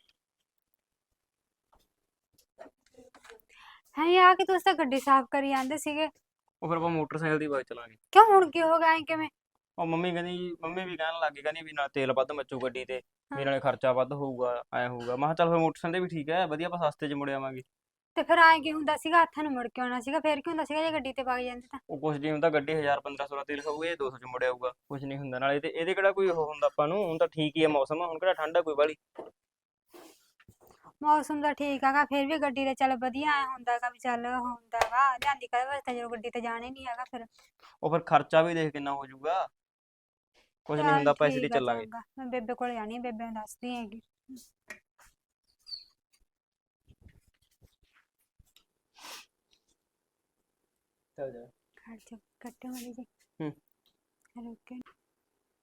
Speaker 1: ਹੈ ਆ ਕਿ ਤੁਸੀਂ ਤਾਂ ਗੱਡੀ ਸਾਫ਼ ਕਰੀ ਜਾਂਦੇ ਸੀਗੇ
Speaker 4: ਉਹ ਫਿਰ ਆਪਾਂ ਮੋਟਰਸਾਈਕਲ ਦੀ ਵਗ ਚਲਾਂਗੇ
Speaker 1: ਕਿਉਂ ਹੁਣ ਕੀ ਹੋ ਗਿਆ ਐਂ ਕਿਵੇਂ
Speaker 4: ਉਹ ਮੰਮੀ ਕਹਿੰਦੀ ਮੰਮੀ ਵੀ ਕਹਿਣ ਲੱਗ ਗਈ ਕਹਿੰਦੀ ਵੀ ਨਾਲ ਤੇਲ ਵੱਧ ਮੱਚੂ ਗੱਡੀ ਤੇ ਵੀ ਨਾਲੇ ਖਰਚਾ ਵੱਧ ਹੋਊਗਾ ਐ ਹੋਊਗਾ ਮੈਂ ਕਿਹਾ ਚੱਲ ਫਿਰ ਮੋਟਰਸਾਈਕਲ ਤੇ ਵੀ ਠੀਕ ਹੈ ਵਧੀਆ ਆਪਾਂ ਸਸਤੇ 'ਚ ਮੁੜ ਆਵਾਂਗੇ
Speaker 1: ਤੇ ਫਿਰ ਐਂ ਕੀ ਹੁੰਦਾ ਸੀਗਾ ਹੱਥਾਂ ਨੂੰ ਮੁੜ ਕੇ ਆਉਣਾ ਸੀਗਾ ਫਿਰ ਕੀ ਹੁੰਦਾ ਸੀਗਾ ਜੇ ਗੱਡੀ ਤੇ ਵਗ ਜਾਂਦੇ ਤਾਂ
Speaker 4: ਉਹ ਕੁਛ ਨਹੀਂ ਹੁੰਦਾ ਗੱਡੀ ਹਜ਼ਾਰ ਪੰਦਰਾਂ ਸੌ ਦਾ ਤੇਲ ਖਾਊਗਾ ਇਹ ਦੋ ਸੌ 'ਚ ਮੁੜ ਆਊਗਾ ਕੁਛ ਨਹੀਂ ਹੁੰਦਾ ਨਾਲੇ ਤੇ ਇਹਦੇ ਕਿਹੜਾ ਕੋਈ ਉਹ ਹੁੰਦਾ ਆਪਾਂ ਨੂੰ ਹੁਣ ਤਾਂ ਠੀਕ ਹੀ ਹੈ ਮੌਸਮ ਹੁਣ ਕਿਹੜਾ ਠੰਡ ਆ ਕੋਈ ਵਾਲੀ
Speaker 1: ਮੌਸਮ ਦਾ ਠੀਕ ਹੈਗਾ ਫਿਰ ਵੀ ਗੱਡੀ ਤੇ ਚੱਲ ਵਧੀਆ ਐ ਹੁੰਦਾਗਾ ਵੀ ਚੱਲ ਹੁੰਦਾਗਾ ਲਿਆਂਦੀ ਕਦੇ ਵਾਸਤੇ ਜਦੋਂ ਗੱਡੀ ਤੇ ਜਾਣਾ ਹੀ ਨਹੀਂ ਹੈਗਾ ਫਿਰ
Speaker 4: ਉਹ ਫਿਰ ਖਰਚਾ ਵੀ ਦੇਖ ਕਿੰਨਾ ਹੋ ਜਾਊਗਾ ਕੁਛ ਨਹੀਂ ਹੁੰਦਾ ਪੈਸੇ ਤੇ
Speaker 1: ਠੀਕ ਆ
Speaker 4: ਚੱਲਾਂਗੇ
Speaker 1: ਚੰਗਾ, ਮੈਂ ਬੇਬੇ ਕੋਲ ਜਾਣੀ ਆ, ਬੇਬੇ ਨੂੰ ਦੱਸਦੀ ਹੈਗੀ
Speaker 4: ਚੱਲ ਜਾ
Speaker 1: ਖਰਚ ਕੱਟੋ ਮਾੜੀ ਜੀ
Speaker 4: ਹੂੰ।
Speaker 1: ਰੁਕੇ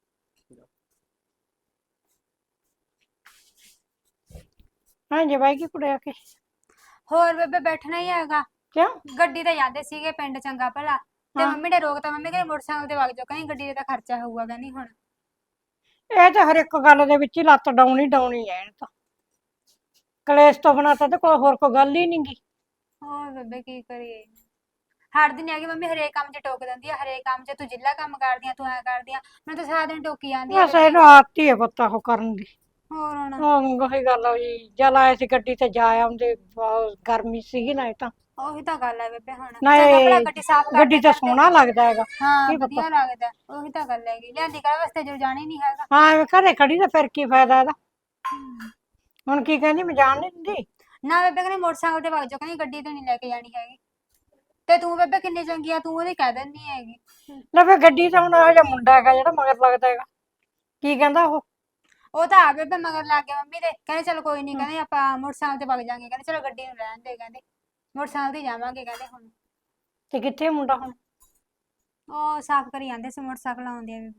Speaker 3: ਹਾਂ ਜੇ ਬਾਈ ਕੀ ਕੁੜੇ ਆ ਕੇ
Speaker 1: ਹੋਰ ਬੇਬੇ ਬੈਠਣਾ ਹੀ ਹੈਗਾ।
Speaker 3: ਕਿਉਂ
Speaker 1: ਗੱਡੀ ਤੇ ਜਾਂਦੇ ਸੀਗੇ ਪਿੰਡ ਚੰਗਾ ਭਲਾ ਤੇ
Speaker 3: ਹਾਂ।
Speaker 1: ਮੰਮੀ ਨੇ ਰੋਕਤਾ। ਮੰਮੀ ਕਹਿੰਦੀ ਮੋਟਰਸਾਈਕਲ ਤੇ ਵਗ ਜਾਓ, ਕਹਿੰਦੀ ਗੱਡੀ ਦਾ ਖਰਚਾ ਹੋਊਗਾ ਕਹਿੰਦੀ ਹੁਣ।
Speaker 3: ਇਹ ਤਾਂ ਹਰ ਇੱਕ ਗੱਲ ਦੇ ਵਿੱਚ ਹੀ ਲੱਤ ਡਾਉਣੀ ਡਾਉਣੀ ਐ ਇਹਨੂੰ ਤਾਂ ਕਲੇਸ਼ ਤੋਂ ਬਿਨਾਂ ਤਾਂ ਇਹਦੇ ਕੋਲ ਹੋਰ ਕੋਈ ਗੱਲ ਹੀ ਨੀ ਗੀ।
Speaker 1: ਹੋਰ ਬੇਬੇ ਕੀ ਕਰੀਏ, ਹਟਦੀ ਨੀ ਹੈਗੀ ਮੰਮੀ। ਹਰੇਕ ਕੰਮ 'ਚ ਟੋਕ ਦਿੰਦੀ ਆ, ਹਰੇਕ ਕੰਮ 'ਚ ਤੂੰ ਜਿੱਲਾ ਕੰਮ ਕਰਦੀ ਆ, ਤੂੰ ਐ ਕਰਦੀ ਆ। ਮੈਨੂੰ ਤਾਂ ਸਾਰਾ ਦਿਨ ਟੋਕੀ ਜਾਂਦੀ ਆ
Speaker 3: ਬਸ ਇਹਨੂੰ ਆਦਤ ਹੀ ਹੈ ਪਤਾ ਉਹ ਕਰਨ ਦੀ।
Speaker 1: ਹੋਰ ਹੁਣ
Speaker 3: ਉਹ ਉਹੀ ਗੱਲ ਹੋਈ ਜਲ ਆਏ ਸੀ ਗੱਡੀ ਤੇ ਜਾ ਆਉਂਦੇ ਬਹੁਤ ਗਰਮੀ ਸੀਗੀ ਨਾ ਇਹ ਤਾਂ
Speaker 1: ਉਹੀ ਤਾਂ ਗੱਲ ਹੈ ਬੇਬੇ। ਹੁਣ
Speaker 3: ਨਾ
Speaker 1: ਚੰਗਾ
Speaker 3: ਇਹ
Speaker 1: ਭਲਾ ਗੱਡੀ ਸਾਫ਼ ਕਰ
Speaker 3: ਗੱਡੀ ਤਾਂ ਸੋਹਣਾ ਲੱਗਦਾ ਹੈਗਾ।
Speaker 1: ਹਾਂ
Speaker 3: ਕੀ ਪਤਾ
Speaker 1: ਵਧੀਆ ਲੱਗਦਾ। ਉਹੀ ਤਾਂ ਗੱਲ ਹੈਗੀ, ਲਿਆਂਦੀ ਕਾਹਦੇ ਵਾਸਤੇ ਜੋ ਜਾਣੀ ਨਹੀਂ ਹੈਗਾ।
Speaker 3: ਹਾਂ ਐਵੇਂ ਘਰੇ ਖੜੀ ਤਾਂ ਫਿਰ ਕੀ ਫਾਇਦਾ ਇਹਦਾ। ਹੁਣ ਕੀ ਕਹਿੰਦੀ ਮੈਂ ਜਾਣ ਨਹੀਂ ਦਿੰਦੀ।
Speaker 1: ਨਾ ਬੇਬੇ ਕਹਿੰਦੀ ਮੋਟਰਸਾਈਕਲ ਤੇ ਵਗ ਜਾਓ, ਕਹਿੰਦੀ ਗੱਡੀ ਤੇ ਨਹੀਂ ਲੈ ਕੇ ਜਾਣੀ ਹੈਗੀ। ਤੇ ਤੂੰ ਬੇਬੇ ਕਿੰਨੀ ਚੰਗੀ ਆ, ਤੂੰ ਉਹਦੀ ਕਹਿ ਦਿੰਦੀ ਹੈਗੀ।
Speaker 3: ਲੈ ਫਿਰ ਗੱਡੀ ਤਾਂ ਹੁਣ ਇਹੋ ਜਿਹਾ ਮੁੰਡਾ ਹੈਗਾ ਜਿਹੜਾ ਮਗਰ ਲੱਗਦਾ ਹੈਗਾ। ਕੀ ਕਹਿੰਦਾ ਉਹ
Speaker 1: ਉਹ ਤਾਂ ਆ ਬੇਬੇ ਮਗਰ ਲੱਗ ਗਿਆ ਮੰਮੀ ਦੇ। ਕਹਿੰਦੇ ਚਲ ਕੋਈ ਨਹੀਂ, ਕਹਿੰਦੇ ਆਪਾਂ ਮੋਟਰਸਾਈਕਲ ਤੇ ਵਗ ਜਾਾਂਗੇ। ਕਹਿੰਦੇ ਚਲੋ ਗੱਡੀ ਨੂੰ ਰਹਿਣ ਦੇ, ਕਹਿੰਦੇ ਮੋਟਰਸਾਈਕਲ ਤੇ ਜਾਵਾਂਗੇ ਕਹਿੰਦੇ ਹੁਣ।
Speaker 3: ਤੇ ਕਿੱਥੇ ਮੁੰਡਾ ਹੁਣ
Speaker 1: ਉਹ ਸਾਫ਼ ਕਰੀ ਜਾਂਦੇ ਸੀ ਮੋਟਰਸਾਈਕਲ ਆਉਂਦੇ ਆ ਬੇਬੇ।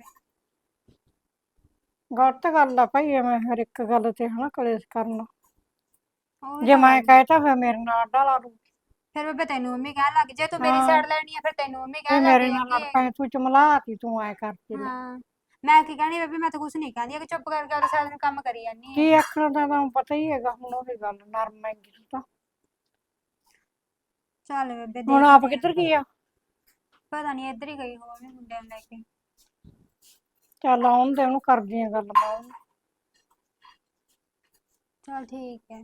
Speaker 3: ਗਲਤ ਗੱਲ ਆ ਭਾਈ ਐਵੇਂ ਹਰ ਇੱਕ ਗੱਲ ਤੇ ਹਨਾ ਕਲੇਸ਼ ਕਰਨਾ।
Speaker 1: ਉਹੀ
Speaker 3: ਜੇ
Speaker 1: ਤਾਂ
Speaker 3: ਮੈਂ
Speaker 1: ਗੱਲ ਆ।
Speaker 3: ਕਹਿਤਾ ਫਿਰ ਮੇਰੇ ਨਾਲ ਅੱਡਾ ਲਾ ਲੂ।
Speaker 1: ਫਿਰ ਬੇਬੇ ਤੈਨੂੰ ਮੰਮੀ ਕਹਿਣ ਲੱਗ, ਜੇ ਤੂੰ ਮੇਰੀ
Speaker 3: ਹਾਂ।
Speaker 1: ਸਾਈਡ ਲੈਣੀ ਆ ਫਿਰ ਤੈਨੂੰ ਮੰਮੀ
Speaker 3: ਇਹ
Speaker 1: ਕਹਿਣ ਲੱਗ
Speaker 3: ਮੇਰੇ ਨਾਲ ਲੜ
Speaker 1: ਜਾਂਦੀ
Speaker 3: ਪਏ ਤੂੰ ਚਮਲਾਤੀ ਤੂੰ ਐ ਕਰਤੀ ਲੈ।
Speaker 1: ਹਾਂ ਮੈਂ ਕੀ ਕਹਿਣੀ ਬੇਬੇ, ਮੈਂ ਤਾਂ ਕੁਛ ਨਹੀਂ ਕਹਿੰਦੀ ਕਿ ਚੁੱਪ ਕਰਕੇ ਉਹਦੇ ਸਾਰਾ ਦਿਨ ਕੰਮ ਕਰੀ ਜਾਂਦੀ
Speaker 3: ਕੀ
Speaker 1: ਹੈ।
Speaker 3: ਆਖਣਾ ਤਾਂ ਤੁਹਾਨੂੰ ਪਤਾ ਹੀ ਹੈਗਾ ਹੁਣ ਉਹੀ ਗੱਲ ਨਰਮ ਹੈਗੀ ਤੂੰ ਤਾਂ।
Speaker 1: ਚੱਲ ਬੇਬੇ
Speaker 3: ਹੁਣ
Speaker 1: ਦੇਖਦੇ
Speaker 3: ਆਪ
Speaker 1: ਆ।
Speaker 3: ਕਿੱਧਰ ਗਈ ਆ
Speaker 1: ਪਤਾ ਨਹੀਂ ਇੱਧਰ ਹੀ ਗਈ ਹੋਵੇ ਮੁੰਡਿਆਂ ਨੂੰ ਲੈ ਕੇ।
Speaker 3: ਚੱਲ ਆਉਣ ਦੇ ਉਹਨੂੰ ਕਰਦੀ ਆ ਗੱਲ ਮੈਂ ਉਹਨੂੰ।
Speaker 1: ਚਲ ਠੀਕ ਹੈ।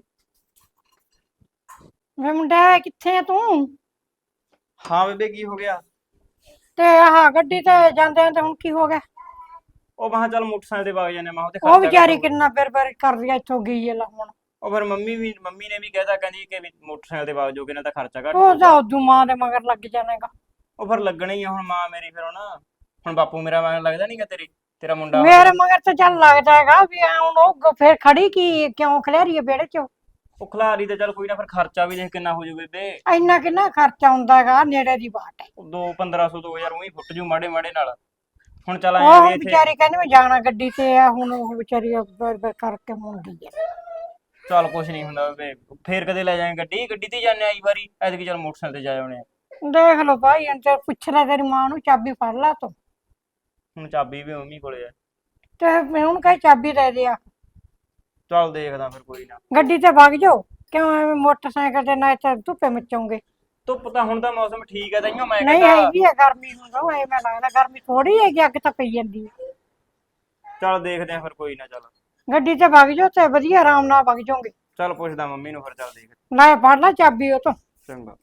Speaker 3: ਵੇ ਮੁੰਡਾ ਕਿੱਥੇ ਆ ਤੂੰ
Speaker 4: ਹਾਂ ਬੇਬੇ ਕੀ ਹੋ ਗਿਆ?
Speaker 3: ਤੇ ਆਹ ਗੱਡੀ ਤੇ ਜਾਂਦੇ ਤੇ ਹੁਣ ਕੀ ਹੋ ਗਿਆ।
Speaker 4: ਉਹ ਮੈਂ ਕਿਹਾ ਚੱਲ ਮੋਟਰਸਾਈਕਲ ਤੇ ਵਗ ਜਾਂਦੇ, ਮੈਂ ਉਹਤੇ
Speaker 3: ਉਹ
Speaker 4: ਖਰਚਾ
Speaker 3: ਵਿਚਾਰੀ
Speaker 4: ਘੱਟ ਹੋਊਗਾ।
Speaker 3: ਕਿੰਨਾ ਫਿਰ ਫਿਰ ਕਰਦੀ ਆ ਇੱਥੋਂ ਗਈ ਆ ਲੈ ਹੁਣ।
Speaker 4: ਉਹ ਫਿਰ ਮੰਮੀ ਵੀ ਮੰਮੀ ਨੇ ਵੀ ਕਹਿਤਾ, ਕਹਿੰਦੀ ਕਿ ਵੀ ਮੋਟਰਸਾਈਕਲ ਤੇ ਵਗ ਜਾਓਗੇ ਨਾ ਤਾਂ ਖਰਚਾ ਘੱਟ
Speaker 3: ਉਹ
Speaker 4: ਹੋਊਗਾ।
Speaker 3: ਤਾਂ ਉਦੋਂ ਮਾਂ ਦੇ ਮਗਰ ਲੱਗ ਜਾਣੇਗਾ।
Speaker 4: ਉਹ ਫਿਰ ਲੱਗਣਾ ਹੀ ਆ ਹੁਣ, ਮਾਂ ਮੇਰੀ ਫਿਰ ਹੁਣ ਹੁਣ ਬਾਪੂ ਮੇਰਾ ਮਗਰ ਲੱਗਦਾ ਨਹੀਂਗਾ ਤੇਰੇ ਤੇਰਾ ਮੁੰਡਾ
Speaker 3: ਮੇਰੇ
Speaker 4: ਹੋਊਗਾ।
Speaker 3: ਮਗਰ ਤਾਂ ਚੱਲ ਲੱਗਦਾ ਹੈਗਾ ਵੀ ਐਂ ਹੁਣ ਉਹ ਫਿਰ ਖੜੀ ਕੀ ਕਿਉਂ ਖਲੇਰੀ ਆ ਵਿਹੜੇ ਚ।
Speaker 4: ਉਹ ਖਿਲਾਰੀ ਤੇ ਚੱਲ ਕੋਈ ਨਾ, ਫਿਰ ਖਰਚਾ ਵੀ ਦੇਖ ਕਿੰਨਾ ਹੋ ਜੂ ਬੇਬੇ।
Speaker 3: ਇੰਨਾ ਕਿੰਨਾ ਖਰਚਾ ਹੁੰਦਾ ਹੈਗਾ ਨੇੜੇ ਦੀ ਬਾਟ ਹੈ।
Speaker 4: ਉਹ ਦੋ ਪੰਦਰਾਂ ਸੌ ਦੋ ਹਜ਼ਾਰ ਉਹੀ ਫੁੱਟ ਜੂ ਮਾੜੇ ਮਾੜੇ ਨਾਲ। ਹੁਣ ਚੱਲ
Speaker 3: ਉਹ
Speaker 4: ਆਏ ਵੀ
Speaker 3: ਹੁਣ
Speaker 4: ਇੱਥੇ
Speaker 3: ਵਿਚਾਰੀ ਕਹਿੰਦੀ ਮੈਂ ਜਾਣਾ ਗੱਡੀ ਤੇ ਆ ਹੁਣ ਉਹ ਵਿਚਾਰੀ ਬਰ ਬਰ ਕਰਕੇ ਮੁੰਡੀ ਆ।
Speaker 4: ਚੱਲ ਕੁਛ ਨਹੀਂ ਹੁੰਦਾ ਬੇਬੇ, ਫੇਰ ਕਦੇ ਲੈ ਜਾਏ ਗੱਡੀ ਗੱਡੀ ਤੇ ਜਾਂਦੇ ਆਈ ਵਾਰੀ, ਐਤਕੀ ਚੱਲ ਮੋਟਰਸਾਈਕਲ ਤੇ ਜਾ ਆਉਣੇ ਆ।
Speaker 3: ਦੇਖ ਲਓ ਭਾਈ ਹੁਣ ਤੇ ਪੁੱਛ ਲੈ ਤੇਰੀ ਮਾਂ ਨੂੰ ਚਾਬੀ ਫੜ ਲਾ ਤੂੰ
Speaker 4: ਹੁਣ ਚਾਬੀ ਵੀ ਮੰਮੀ ਕੋਲੇ ਆ।
Speaker 3: ਤੇ ਮੈਂ ਉਹਨੂੰ ਕਹੇ ਚਾਬੀ ਦੇ ਦੇ ਆ
Speaker 4: ਚੱਲ ਦੇਖਦਾ ਫਿਰ ਕੋਈ ਨਾ।
Speaker 3: ਗੱਡੀ ਤੇ ਵਗ ਜਾਓ ਕਿਉਂ ਐਵੇਂ ਮੋਟਰਸਾਈਕਲ ਤੇ ਨਾ ਇੱਥੇ ਧੁੱਪੇ ਮਚੋਂਗੇ।
Speaker 4: ਧੁੱਪ ਤਾਂ ਹੁਣ ਤਾਂ ਮੌਸਮ ਠੀਕ ਹੈ ਤਾਈਓ ਮੈਂ
Speaker 3: ਨਹੀਂ
Speaker 4: ਕਹਿੰਦਾ।
Speaker 3: ਹੈਗੀ ਆ ਗਰਮੀ ਹੁਣ ਤਾਂ ਐਵੇਂ ਲੱਗਦਾ ਗਰਮੀ ਥੋੜੀ ਹੈਗੀ ਅੱਗ ਤਾਂ ਪਈ ਜਾਂਦੀ ਹੈ।
Speaker 4: ਚੱਲ ਦੇਖਦੇ ਆ ਫਿਰ ਕੋਈ ਨਾ। ਚੱਲ
Speaker 3: ਗੱਡੀ ਤੇ ਵਗ ਜਾਓ ਤੇ ਵਧੀਆ ਆਰਾਮ ਨਾਲ ਵਗ ਜਾਓਗੇ।
Speaker 4: ਚੱਲ ਪੁੱਛਦਾ ਮੰਮੀ ਨੂੰ ਫਿਰ, ਚੱਲ ਦੇਖ
Speaker 3: ਲੈ ਫੜ ਲੈ ਚਾਬੀ ਉਹ ਤੋਂ।
Speaker 4: ਚੰਗਾ।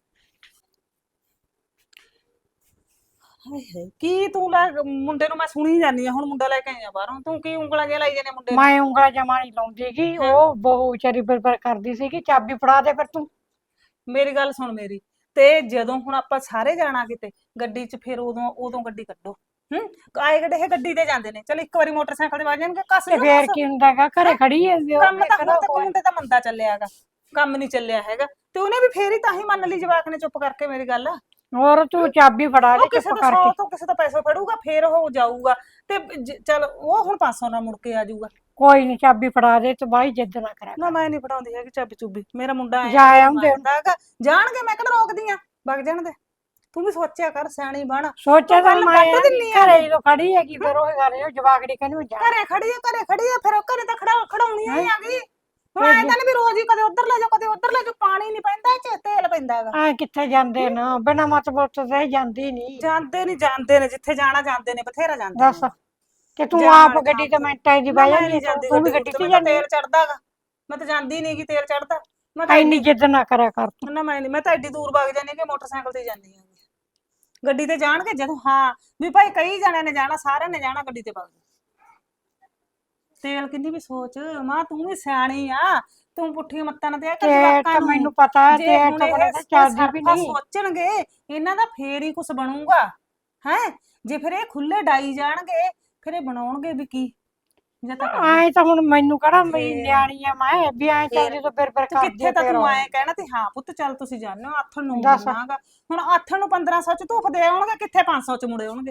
Speaker 2: ਕੀ ਤੂੰ ਲੈ ਮੁੰਡੇ ਨੂੰ, ਮੈਂ ਸੁਣੀ ਜਾਂਦੀ ਆ ਹੁਣ ਮੁੰਡਾ ਲੈ ਕੇ ਆਇਆ ਬਾਹਰੋਂ, ਤੂੰ ਕੀ ਉਂਗਲਾਂ ਜਿਹਾ ਲਾਈ ਜਾਂਦੇ ਮੁੰਡੇ ਨੂੰ?
Speaker 3: ਮੈਂ ਉਂਗਲਾਂ ਜਮਾ ਨਹੀਂ ਲਾਉਂਦੀ ਗੀ ਉਹ ਬਹੁ ਵਿਚਾਰੀ ਬਰਬਰ ਕਰਦੀ ਸੀਗੀ ਚਾਬੀ ਫੜਾ ਦੇ ਫਿਰ ਤੂੰ।
Speaker 2: ਮੇਰੀ ਗੱਲ ਸੁਣ ਮੇਰੀ, ਤੇ ਜਦੋਂ ਹੁਣ ਆਪਾਂ ਸਾਰੇ ਜਾਣਾ ਕਿਤੇ ਗੱਡੀ 'ਚ, ਫਿਰ ਉਦੋਂ ਉਦੋਂ ਗੱਡੀ ਕੱਢੋ। ਹੂੰ ਆਏ ਗੱਡੇ ਇਹ ਗੱਡੀ ਤੇ ਜਾਂਦੇ ਨੇ, ਚਲ ਇੱਕ ਵਾਰੀ ਮੋਟਰਸਾਈਕਲ ਤੇ ਵੱਜ ਜਾਣਗੇ ਕੱਸ
Speaker 3: ਤੇ
Speaker 2: ਲਿਓ
Speaker 3: ਫੇਰ
Speaker 2: ਬਸ।
Speaker 3: ਕੀ ਹੁੰਦਾ ਹੈਗਾ ਘਰੇ ਖੜੀ ਹੈ ਵੀ ਉਹ
Speaker 2: ਕੰਮ ਤਾਂ ਹੁਣ
Speaker 3: ਕਿਹੜਾ
Speaker 2: ਤੱਕ ਮੁੰਡੇ ਤਾਂ ਮੰਦਾ ਚੱਲਿਆ ਹੈਗਾ, ਕੰਮ ਨਹੀਂ ਚੱਲਿਆ ਹੈਗਾ, ਤੇ ਉਹਨੇ ਵੀ ਫੇਰ ਹੀ ਤਾਂ ਹੀ ਮੰਨ ਲਈ ਜਵਾਕ ਨੇ ਚੁੱਪ ਕਰਕੇ ਮੇਰੀ ਗੱਲ।
Speaker 3: ਹੋਰ ਤੂੰ ਚਾਬੀ ਫੜਾ ਦੇ
Speaker 2: ਉਹ ਕਿਸੇ
Speaker 3: ਚੁੱਪ
Speaker 2: ਤੋਂ
Speaker 3: ਕਰਕੇ।
Speaker 2: ਸੌ ਤੋਂ ਕਿਸੇ ਤੋਂ ਪੈਸੇ ਫੜੂਗਾ ਫੇਰ ਉਹ ਜਾਊਗਾ, ਤੇ ਚਲ ਉਹ ਹੁਣ ਪੰਜ ਸੌ ਨਾਲ ਮੁੜ ਕੇ ਆ ਜਾਊਗਾ।
Speaker 3: ਕੋਈ ਨਹੀਂ ਚਾਬੀ ਫੜਾ ਦੇ ਤੂੰ ਬਾਈ ਜਿੱਦ ਨਾ ਕਰਿਆ
Speaker 2: ਨਾ ਮੈਂ ਨਹੀਂ ਫੜਾਉਂਦੀ ਹੈਗੀ ਚਾਬੀ ਚੁੱਬੀ, ਮੇਰਾ ਮੁੰਡਾ ਆਇਆ
Speaker 3: ਜਾ ਆਉਂਦੇ
Speaker 2: ਹੈਗਾ ਜਾਣਗੇ, ਮੈਂ ਕਿਹੜਾ ਰੋਕਦੀ ਆ, ਵਗ ਜਾਣ ਦੇ। ਤੂੰ ਵੀ ਸੋਚਿਆ ਕਰ, ਸਿਆਣੀ ਬਣ।
Speaker 3: ਸੋਚਿਆ ਤਾਂ
Speaker 2: ਗੱਲ
Speaker 3: ਮੈਂ
Speaker 2: ਕੱਢ ਦਿੰਨੀ ਆ।
Speaker 3: ਘਰੇ ਜਦੋਂ ਖੜੀ ਹੈਗੀ ਫਿਰ ਉਹ ਗੱਲ ਹੈ ਜਵਾਕੜੀ ਕਹਿੰਦੀ ਮੈਂ ਜਾ
Speaker 2: ਘਰੇ ਖੜੀ ਆ ਘਰੇ ਖੜੀ ਆ ਫਿਰ ਉਹ ਘਰੇ ਤਾਂ ਖੜਾ ਖੜਾਉਣੀ ਹੀ ਆ ਗਈ। ਹੁਣ ਐਂ ਤਾਂ ਨੀ ਵੀ ਰੋਜ਼ ਹੀ ਕਦੇ ਉੱਧਰ ਲੈ ਜਾਓ ਕਦੇ ਉੱਧਰ ਲੈ ਜਾਓ, ਪਾਣੀ ਨਹੀਂ ਪੈਂਦਾ ਇਹ 'ਚ, ਤੇਲ ਪੈਂਦਾ ਹੈਗਾ।
Speaker 3: ਐ ਕਿੱਥੇ ਜਾਂਦੇ ਨਾ ਬਿਨਾ ਮਤਲਬ ਤੋਂ ਤੇ ਜਾਂਦੀ ਨਹੀਂ
Speaker 2: ਜਾਂਦੇ ਨਹੀਂ ਜਾਂਦੇ ਨੇ, ਜਿੱਥੇ ਜਾਣਾ ਜਾਂਦੇ ਨੇ, ਬਥੇਰਾ ਜਾਂਦੇ
Speaker 3: ਦੱਸ
Speaker 2: ਨੇ।
Speaker 3: ਕਿ ਤੂੰ
Speaker 2: ਜਾਣ
Speaker 3: ਆਪ
Speaker 2: ਵਾਲੇ
Speaker 3: ਗੱਡੀ ਤੇ
Speaker 2: ਥਾਂ
Speaker 3: ਮਿੰਟਾਂ ਦੀ
Speaker 2: ਨਾ
Speaker 3: ਬਹਿ
Speaker 2: ਮੈਂ
Speaker 3: ਜਾਂਦੀ
Speaker 2: ਨਹੀਂ
Speaker 3: ਹੈ,
Speaker 2: ਜਾਂਦੀ
Speaker 3: ਤੂੰ ਵੀ
Speaker 2: ਗੱਡੀ
Speaker 3: ਗੱਡੀ
Speaker 2: ਤੇ,
Speaker 3: ਤੇ
Speaker 2: ਮੈਨੂੰ ਤਾਂ
Speaker 3: ਜਾਂਦੀ
Speaker 2: ਤੇਲ ਚੜਦਾ ਗਾ, ਮੈਂ ਤਾਂ ਜਾਂਦੀ ਨਹੀਂ ਗੀ, ਤੇਲ ਚੜਦਾ ਮੈਂ ਤਾਂ
Speaker 3: ਐਨੀ
Speaker 2: ਐਡੀ
Speaker 3: ਜਿੱਦ ਨਾ ਕਰਿਆ ਕਰ ਤੂੰ।
Speaker 2: ਨਾ ਮੈਂ ਨਹੀਂ, ਮੈਂ ਤਾਂ ਐਡੀ ਦੂਰ ਵਗ ਜਾਂਦੀ ਕਿ ਮੋਟਰਸਾਈਕਲ ਤੇ ਜਾਂਦੀ ਹਾਂ। ਗੱਡੀ ਤੇ ਜਾਣਗੇ ਜਦੋਂ, ਹਾਂ ਵੀ ਭਾਈ ਕਈ ਜਣਿਆਂ ਨੇ ਜਾਣਾ, ਸਾਰਿਆਂ ਨੇ ਜਾਣਾ, ਗੱਡੀ ਤੇ ਵਗ ਜਾ। ਤੇਲ ਕਿੰਨੀ ਵੀ ਸੋਚ ਮਾਂ, ਤੂੰ ਵੀ ਸਿਆਣੀ ਆ, ਤੂੰ ਪੁੱਠੀ ਮੱਤਾਂ ਨਾ ਦਿਆ ਕਰ
Speaker 3: ਤੇ
Speaker 2: ਜਵਾਕਾਂ
Speaker 3: ਤਾਂ
Speaker 2: ਨੂੰ।
Speaker 3: ਮੈਨੂੰ ਪਤਾ ਹੈ
Speaker 2: ਜੇ
Speaker 3: ਤੇ
Speaker 2: ਹੁਣ
Speaker 3: ਤਾਂ
Speaker 2: ਇਹ
Speaker 3: ਬੜਾ ਚੱਲਦੀ ਵੀ
Speaker 2: ਸਰਫਾ
Speaker 3: ਨਹੀਂ।
Speaker 2: ਸੋਚਣਗੇ ਇਹਨਾਂ ਦਾ ਫੇਰ ਹੀ ਕੁਝ ਬਣੂਗਾ ਹੈ, ਜੇ ਫਿਰ ਇਹ ਖੁੱਲੇ ਡਾਈ ਜਾਣਗੇ ਫਿਰ ਇਹ ਬਣਾਉਣਗੇ ਵੀ ਕੀ। ਜਾਂ ਤਾਂ ਕਰ
Speaker 3: ਐ ਤਾਂ ਹੁਣ ਮੈਨੂੰ ਕਿਹੜਾ ਮੈਂ
Speaker 2: ਫੇਰ-
Speaker 3: ਨਿਆਣੀ ਆ ਮੈਂ ਵੀ ਐ ਚੱਲਦੀ ਤਾਂ ਫਿਰ ਫਿਰ
Speaker 2: ਤੇ
Speaker 3: ਕਰਦੀ
Speaker 2: ਕਿੱਥੇ
Speaker 3: ਆ
Speaker 2: ਤਾਂ
Speaker 3: ਫਿਰ
Speaker 2: ਤੂੰ
Speaker 3: ਉਹ।
Speaker 2: ਐਂ ਕਹਿਣਾ ਤੇ ਹਾਂ ਪੁੱਤ ਚੱਲ ਤੁਸੀਂ ਜਾਣੋ ਆਥਣ ਨੂੰ
Speaker 3: ਦੱਸ।
Speaker 2: ਮੁੜਨਾਗਾ, ਹੁਣ ਆਥਣ ਨੂੰ ਪੰਦਰਾਂ ਸੌ ਚ ਧੂਫ ਦੇ ਆਉਣਗੇ, ਕਿੱਥੇ ਪੰਜ ਸੌ ਚ ਮੁੜੇ ਆਉਣਗੇ।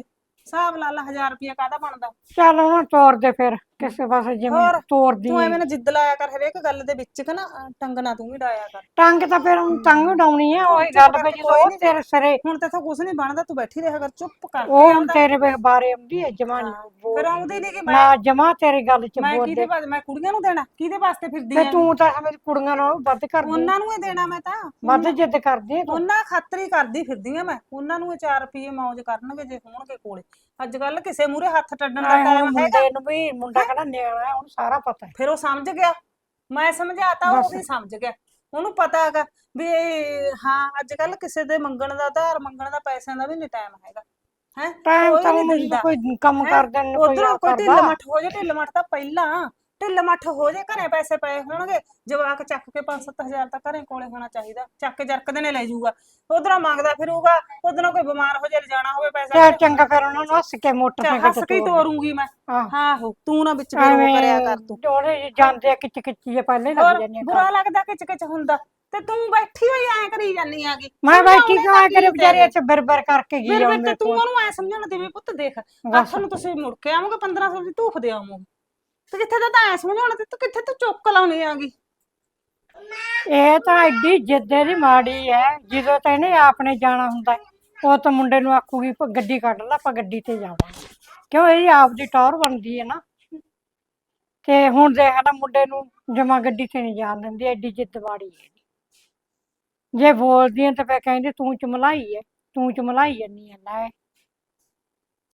Speaker 2: ਹਿਸਾਬ ਲਾ ਲਾ ਹਜ਼ਾਰ ਰੁਪਇਆ ਕਾਹਦਾ ਬਣਦਾ।
Speaker 3: ਚੱਲ ਉਹਨਾਂ ਤੋਰ ਦੇ ਫਿਰ ਕਿਸੇ ਪਾਸੇ ਜਿਵੇਂ
Speaker 2: ਹੋਰ
Speaker 3: ਤੋਰਦੀ
Speaker 2: ਤੂੰ
Speaker 3: ਹੈ।
Speaker 2: ਐਵੇਂ ਨਾ ਜਿੱਦ ਲਾਇਆ ਕਰ ਹਰੇਕ ਗੱਲ ਦੇ ਵਿੱਚ ਕਿ ਨਾ ਅਹ ਟੰਗਣਾ ਤੂੰ ਵੀ ਡਾਇਆ ਕਰ।
Speaker 3: ਟੰਗ ਤਾਂ ਫਿਰ ਹੁਣ ਟੰਗ ਉਡਾਉਣੀ ਹੈ ਉਹੀ
Speaker 2: ਚੁੱਪ
Speaker 3: ਗੱਲ
Speaker 2: ਕਰਕੇ
Speaker 3: ਫਿਰ
Speaker 2: ਕੋਈ
Speaker 3: ਜਦੋਂ
Speaker 2: ਨੀ।
Speaker 3: ਤੇਰੇ ਸਿਰੇ
Speaker 2: ਹੁਣ ਤੇ ਕੁਝ ਨਹੀਂ ਬਣਦਾ ਤੂੰ ਬੈਠੀ ਰਿਹਾ ਕਰ ਚੁੱਪ ਕਰਕੇ
Speaker 3: ਉਹ ਹੁਣ
Speaker 2: ਆਪਦਾ।
Speaker 3: ਤੇਰੇ ਵੇ ਬਾਰੇ ਆਉਂਦੀ ਹੈ ਜਮਾ ਨਹੀਂ
Speaker 2: ਫਿਰ ਆਉਂਦੀ ਨਹੀਂ ਕਿ ਮੈਂ
Speaker 3: ਨਾ ਜਮਾ ਤੇਰੀ ਗੱਲ ਚ
Speaker 2: ਮੈਂ
Speaker 3: ਬੋਲਦੇ
Speaker 2: ਕਿਹਦੇ ਵਾਸਤੇ ਮੈਂ ਕੁੜੀਆਂ ਨੂੰ ਦੇਣਾ ਕਿਹਦੇ ਵਾਸਤੇ ਫਿਰਦੀ
Speaker 3: ਤੇ
Speaker 2: ਆਂ
Speaker 3: ਤੂੰ ਤਾਂ ਮੇਰੀ ਕੁੜੀਆਂ ਨਾਲੋਂ ਵੱਧ ਕਰਦੀ
Speaker 2: ਉਹਨਾਂ ਨੂੰ ਹੀ ਦੇਣਾ ਮੈਂ ਤਾਂ
Speaker 3: ਵੱਧ ਜਿੱਦ ਕਰਦੀ ਹੈ ਤੂੰ।
Speaker 2: ਉਹਨਾਂ ਖਾਤਰ ਹੀ ਕਰਦੀ ਫਿਰਦੀ ਆ ਮੈਂ ਉਹਨਾਂ ਨੂੰ ਚਾਰ ਰੁਪਏ ਮੌਜ ਕਰਨਗੇ ਜੇ ਹੋਣਗੇ ਕੋਲੇ। ਅੱਜ ਕੱਲ ਕਿਸੇ ਮੂਰੇ ਹੱਥ ਟੱਡਣ ਦਾ
Speaker 3: ਆਏ ਹੁਣ
Speaker 2: ਟਾਈਮ ਹੈਗਾ।
Speaker 3: ਮੁੰਡੇ ਨੂੰ ਵੀ ਮੁੰਡਾ ਕਿਹੜਾ ਨਿਆਣਾ ਹੈ ਉਹਨੂੰ ਸਾਰਾ ਪਤਾ ਹੈ।
Speaker 2: ਫਿਰ ਉਹ ਸਮਝ ਗਿਆ ਮੈਂ ਸਮਝਾਤਾ ਉਹ ਵੀ ਸਮਝ ਗਿਆ ਉਹਨੂੰ ਪਤਾ ਹੈਗਾ ਵੀ ਇਹ- ਹਾਂ ਅੱਜ ਕੱਲ ਕਿਸੇ ਦੇ ਮੰਗਣ ਦਾ ਧਾਰ ਮੰਗਣ ਦਾ ਪੈਸਿਆਂ ਦਾ ਵੀ ਨਹੀਂ ਟਾਈਮ ਹੈਗਾ ਹੈ
Speaker 3: ਟਾਈਮ
Speaker 2: ਕੋਈ
Speaker 3: ਤਾਂ
Speaker 2: ਨੀ
Speaker 3: ਉਹਨੂੰ ਜਦੋਂ
Speaker 2: ਦਿੰਦਾ।
Speaker 3: ਕੋਈ ਕੰਮ
Speaker 2: ਹੈਂ?
Speaker 3: ਕਰਦੇ ਨੇ ਕੋਈ
Speaker 2: ਉੱਧਰੋਂ
Speaker 3: ਆ
Speaker 2: ਕੋਈ ਢਿੱਲ
Speaker 3: ਕਰਦਾ
Speaker 2: ਮੱਠ ਹੋ ਜੇ ਢਿੱਲ ਮੱਠ ਤਾਂ ਪਹਿਲਾਂ ਢਿੱਲ ਮੱਠ ਹੋ ਜੇ ਘਰੇ ਪੈਸੇ ਪਏ ਹੋਣਗੇ ਜਵਾਕ ਚੱਕ ਕੇ ਪੰਜ ਸੱਤ ਹਜ਼ਾਰ ਤਾਂ ਘਰੇ ਕੋਲੇ ਹੋਣਾ ਚਾਹੀਦਾ ਚੱਕ ਕੇ ਜਰਕਦੇ ਨੇ ਲੈ ਜਾਊਗਾ ਉਧਰੋਂ ਮੰਗਦਾ ਫਿਰੂਗਾ ਉਧਰੋਂ ਕੋਈ ਬਿਮਾਰ ਹੋ ਜੇ ਲਿਜਾਣਾ ਹੋਵੇ ਪੈਸਾ
Speaker 3: ਚੱਲ ਚੰਗਾ ਫਿਰ ਉਹਨਾਂ ਨੂੰ ਹੱਸ ਕੇ
Speaker 2: ਚੱਲ
Speaker 3: ਮੋਟਰਸਾਈਕਲ
Speaker 2: ਹੱਸ ਕੇ ਹੀ ਤੋਰੂੰਗੀ ਮੈਂ
Speaker 3: ਆਹ
Speaker 2: ਆਹੋ ਤੂੰ ਨਾ ਵਿੱਚ ਫਿਰ ਉਹ ਕਰਿਆ ਕਰ ਤੂੰ
Speaker 3: ਉਹਦੇ ਜਾਂਦੇ ਆ ਕਿਚ ਕਿਚ ਜੇ ਪਹਿਲੇ ਲੱਗ
Speaker 2: ਹੋਰ
Speaker 3: ਜਾਂਦੇ ਆ
Speaker 2: ਬੁਰਾ ਲੱਗਦਾ ਕਿਚ ਕਿਚ ਹੁੰਦਾ ਤੇ ਤੂੰ ਬੈਠੀ ਹੋਈ ਐ ਕਰੀ ਜਾਨੀ ਆਗੀ
Speaker 3: ਮੈਂ ਬੈਠੀ ਕਿਉਂ ਆ ਕਰੇ ਵਿਚਾਰੇ ਇੱਥੇ ਬਰਬਰ ਕਰਕੇ ਗਈ
Speaker 2: ਮੇਰੇ
Speaker 3: ਆ
Speaker 2: ਵਿੱਚ ਤੂੰ ਉਹਨੂੰ ਐ ਸਮਝਾਉਣਾ ਦੇਵੇਂ ਪੁੱਤ ਦੇਖ ਅੱਖ ਨੂੰ ਤੁਸੀਂ ਮੁੜ ਕੇ ਆਵੋਗੇ ਪੰਦਰਾਂ ਸੌ ਦੀ ਧੂਫ ਦੇ ਆਵੋਗੇ ਤੇ ਕਿੱਥੇ ਤਾਂ ਐ ਸਮਝਾਉਣਾ ਤੇ ਤੂੰ ਕਿੱਥੇ ਤੂੰ ਚੁੱਕ ਲਾਉਣੀ ਆਗੀ
Speaker 3: ਇਹ ਤਾਂ ਐਡੀ ਜਿੱਦੇ ਦੀ ਮਾੜੀ ਹੈ ਜਦੋਂ ਤਾਂ ਇਹਨੇ ਆਪਣੇ ਜਾਣਾ ਹੁੰਦਾ ਹੈ, ਉਹ ਤਾਂ ਮੁੰਡੇ ਨੂੰ ਆਖੂਗੀ ਪ- ਗੱਡੀ ਕੱਢ ਲਾ ਆਪਾਂ ਗੱਡੀ ਤੇ ਜਾਵਾਂਗੇ ਕਿਉਂ ਇਹਦੀ ਆਪ ਦੀ ਟੌਰ ਬਣਦੀ ਹੈ ਨਾ। ਤੇ ਹੁਣ ਦੇਖ ਲੈ ਮੁੰਡੇ ਨੂੰ ਜਮਾ ਗੱਡੀ ਤੇ ਨਹੀਂ ਜਾਣ ਦਿੰਦੀ ਐਡੀ ਜਿੱਦ ਮਾੜੀ ਹੈ ਜੇ ਬੋਲਦੀ ਹੈ ਤਾਂ ਫਿਰ ਕਹਿੰਦੇ ਤੂੰ ਚਮਲਾਈ ਹੈ ਤੂੰ ਚਮਲਾਈ ਜੰਨੀ ਹੈ ਲੈ